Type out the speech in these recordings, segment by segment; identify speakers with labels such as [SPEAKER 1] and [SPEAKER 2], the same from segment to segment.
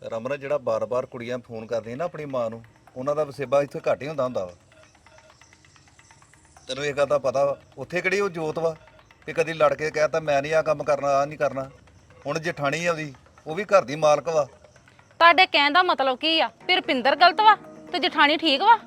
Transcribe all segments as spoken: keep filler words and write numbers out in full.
[SPEAKER 1] ਰਮਨ ਜਿਹੜਾ ਬਾਰ-ਬਾਰ ਕੁੜੀਆਂ ਫੋਨ ਕਰਦੀਆਂ ਨਾ ਆਪਣੀ ਮਾਂ ਨੂੰ, ਉਹਨਾਂ ਦਾ ਵਸੇਬਾ ਇੱਥੇ ਘੱਟ ਹੀ ਹੁੰਦਾ ਹੁੰਦਾ ਵਾ। ਤੈਨੂੰ ਇਹ ਗੱਲ ਦਾ ਪਤਾ ਵਾ, ਉੱਥੇ ਕਿਹੜੀ ਉਹ ਜੋਤ ਵਾ ਵੀ ਕਦੀ ਲੜ ਕੇ ਕਹਿਤਾ ਮੈਂ ਨਹੀਂ ਆ ਕੰਮ ਕਰਨਾ, ਆ ਨਹੀਂ ਕਰਨਾ। ਹੁਣ ਜਠਾਣੀ ਆਉਂਦੀ ਉਹ ਵੀ ਘਰ ਦੀ ਮਾਲਕ ਵਾ।
[SPEAKER 2] ਤੁਹਾਡੇ ਕਹਿਣ ਦਾ ਮਤਲਬ ਕੀ ਆ? ਫਿਰ ਰੁਪਿੰਦਰ ਗਲਤ ਵਾ ਤੇ ਜਠਾਣੀ ਠੀਕ ਵਾ?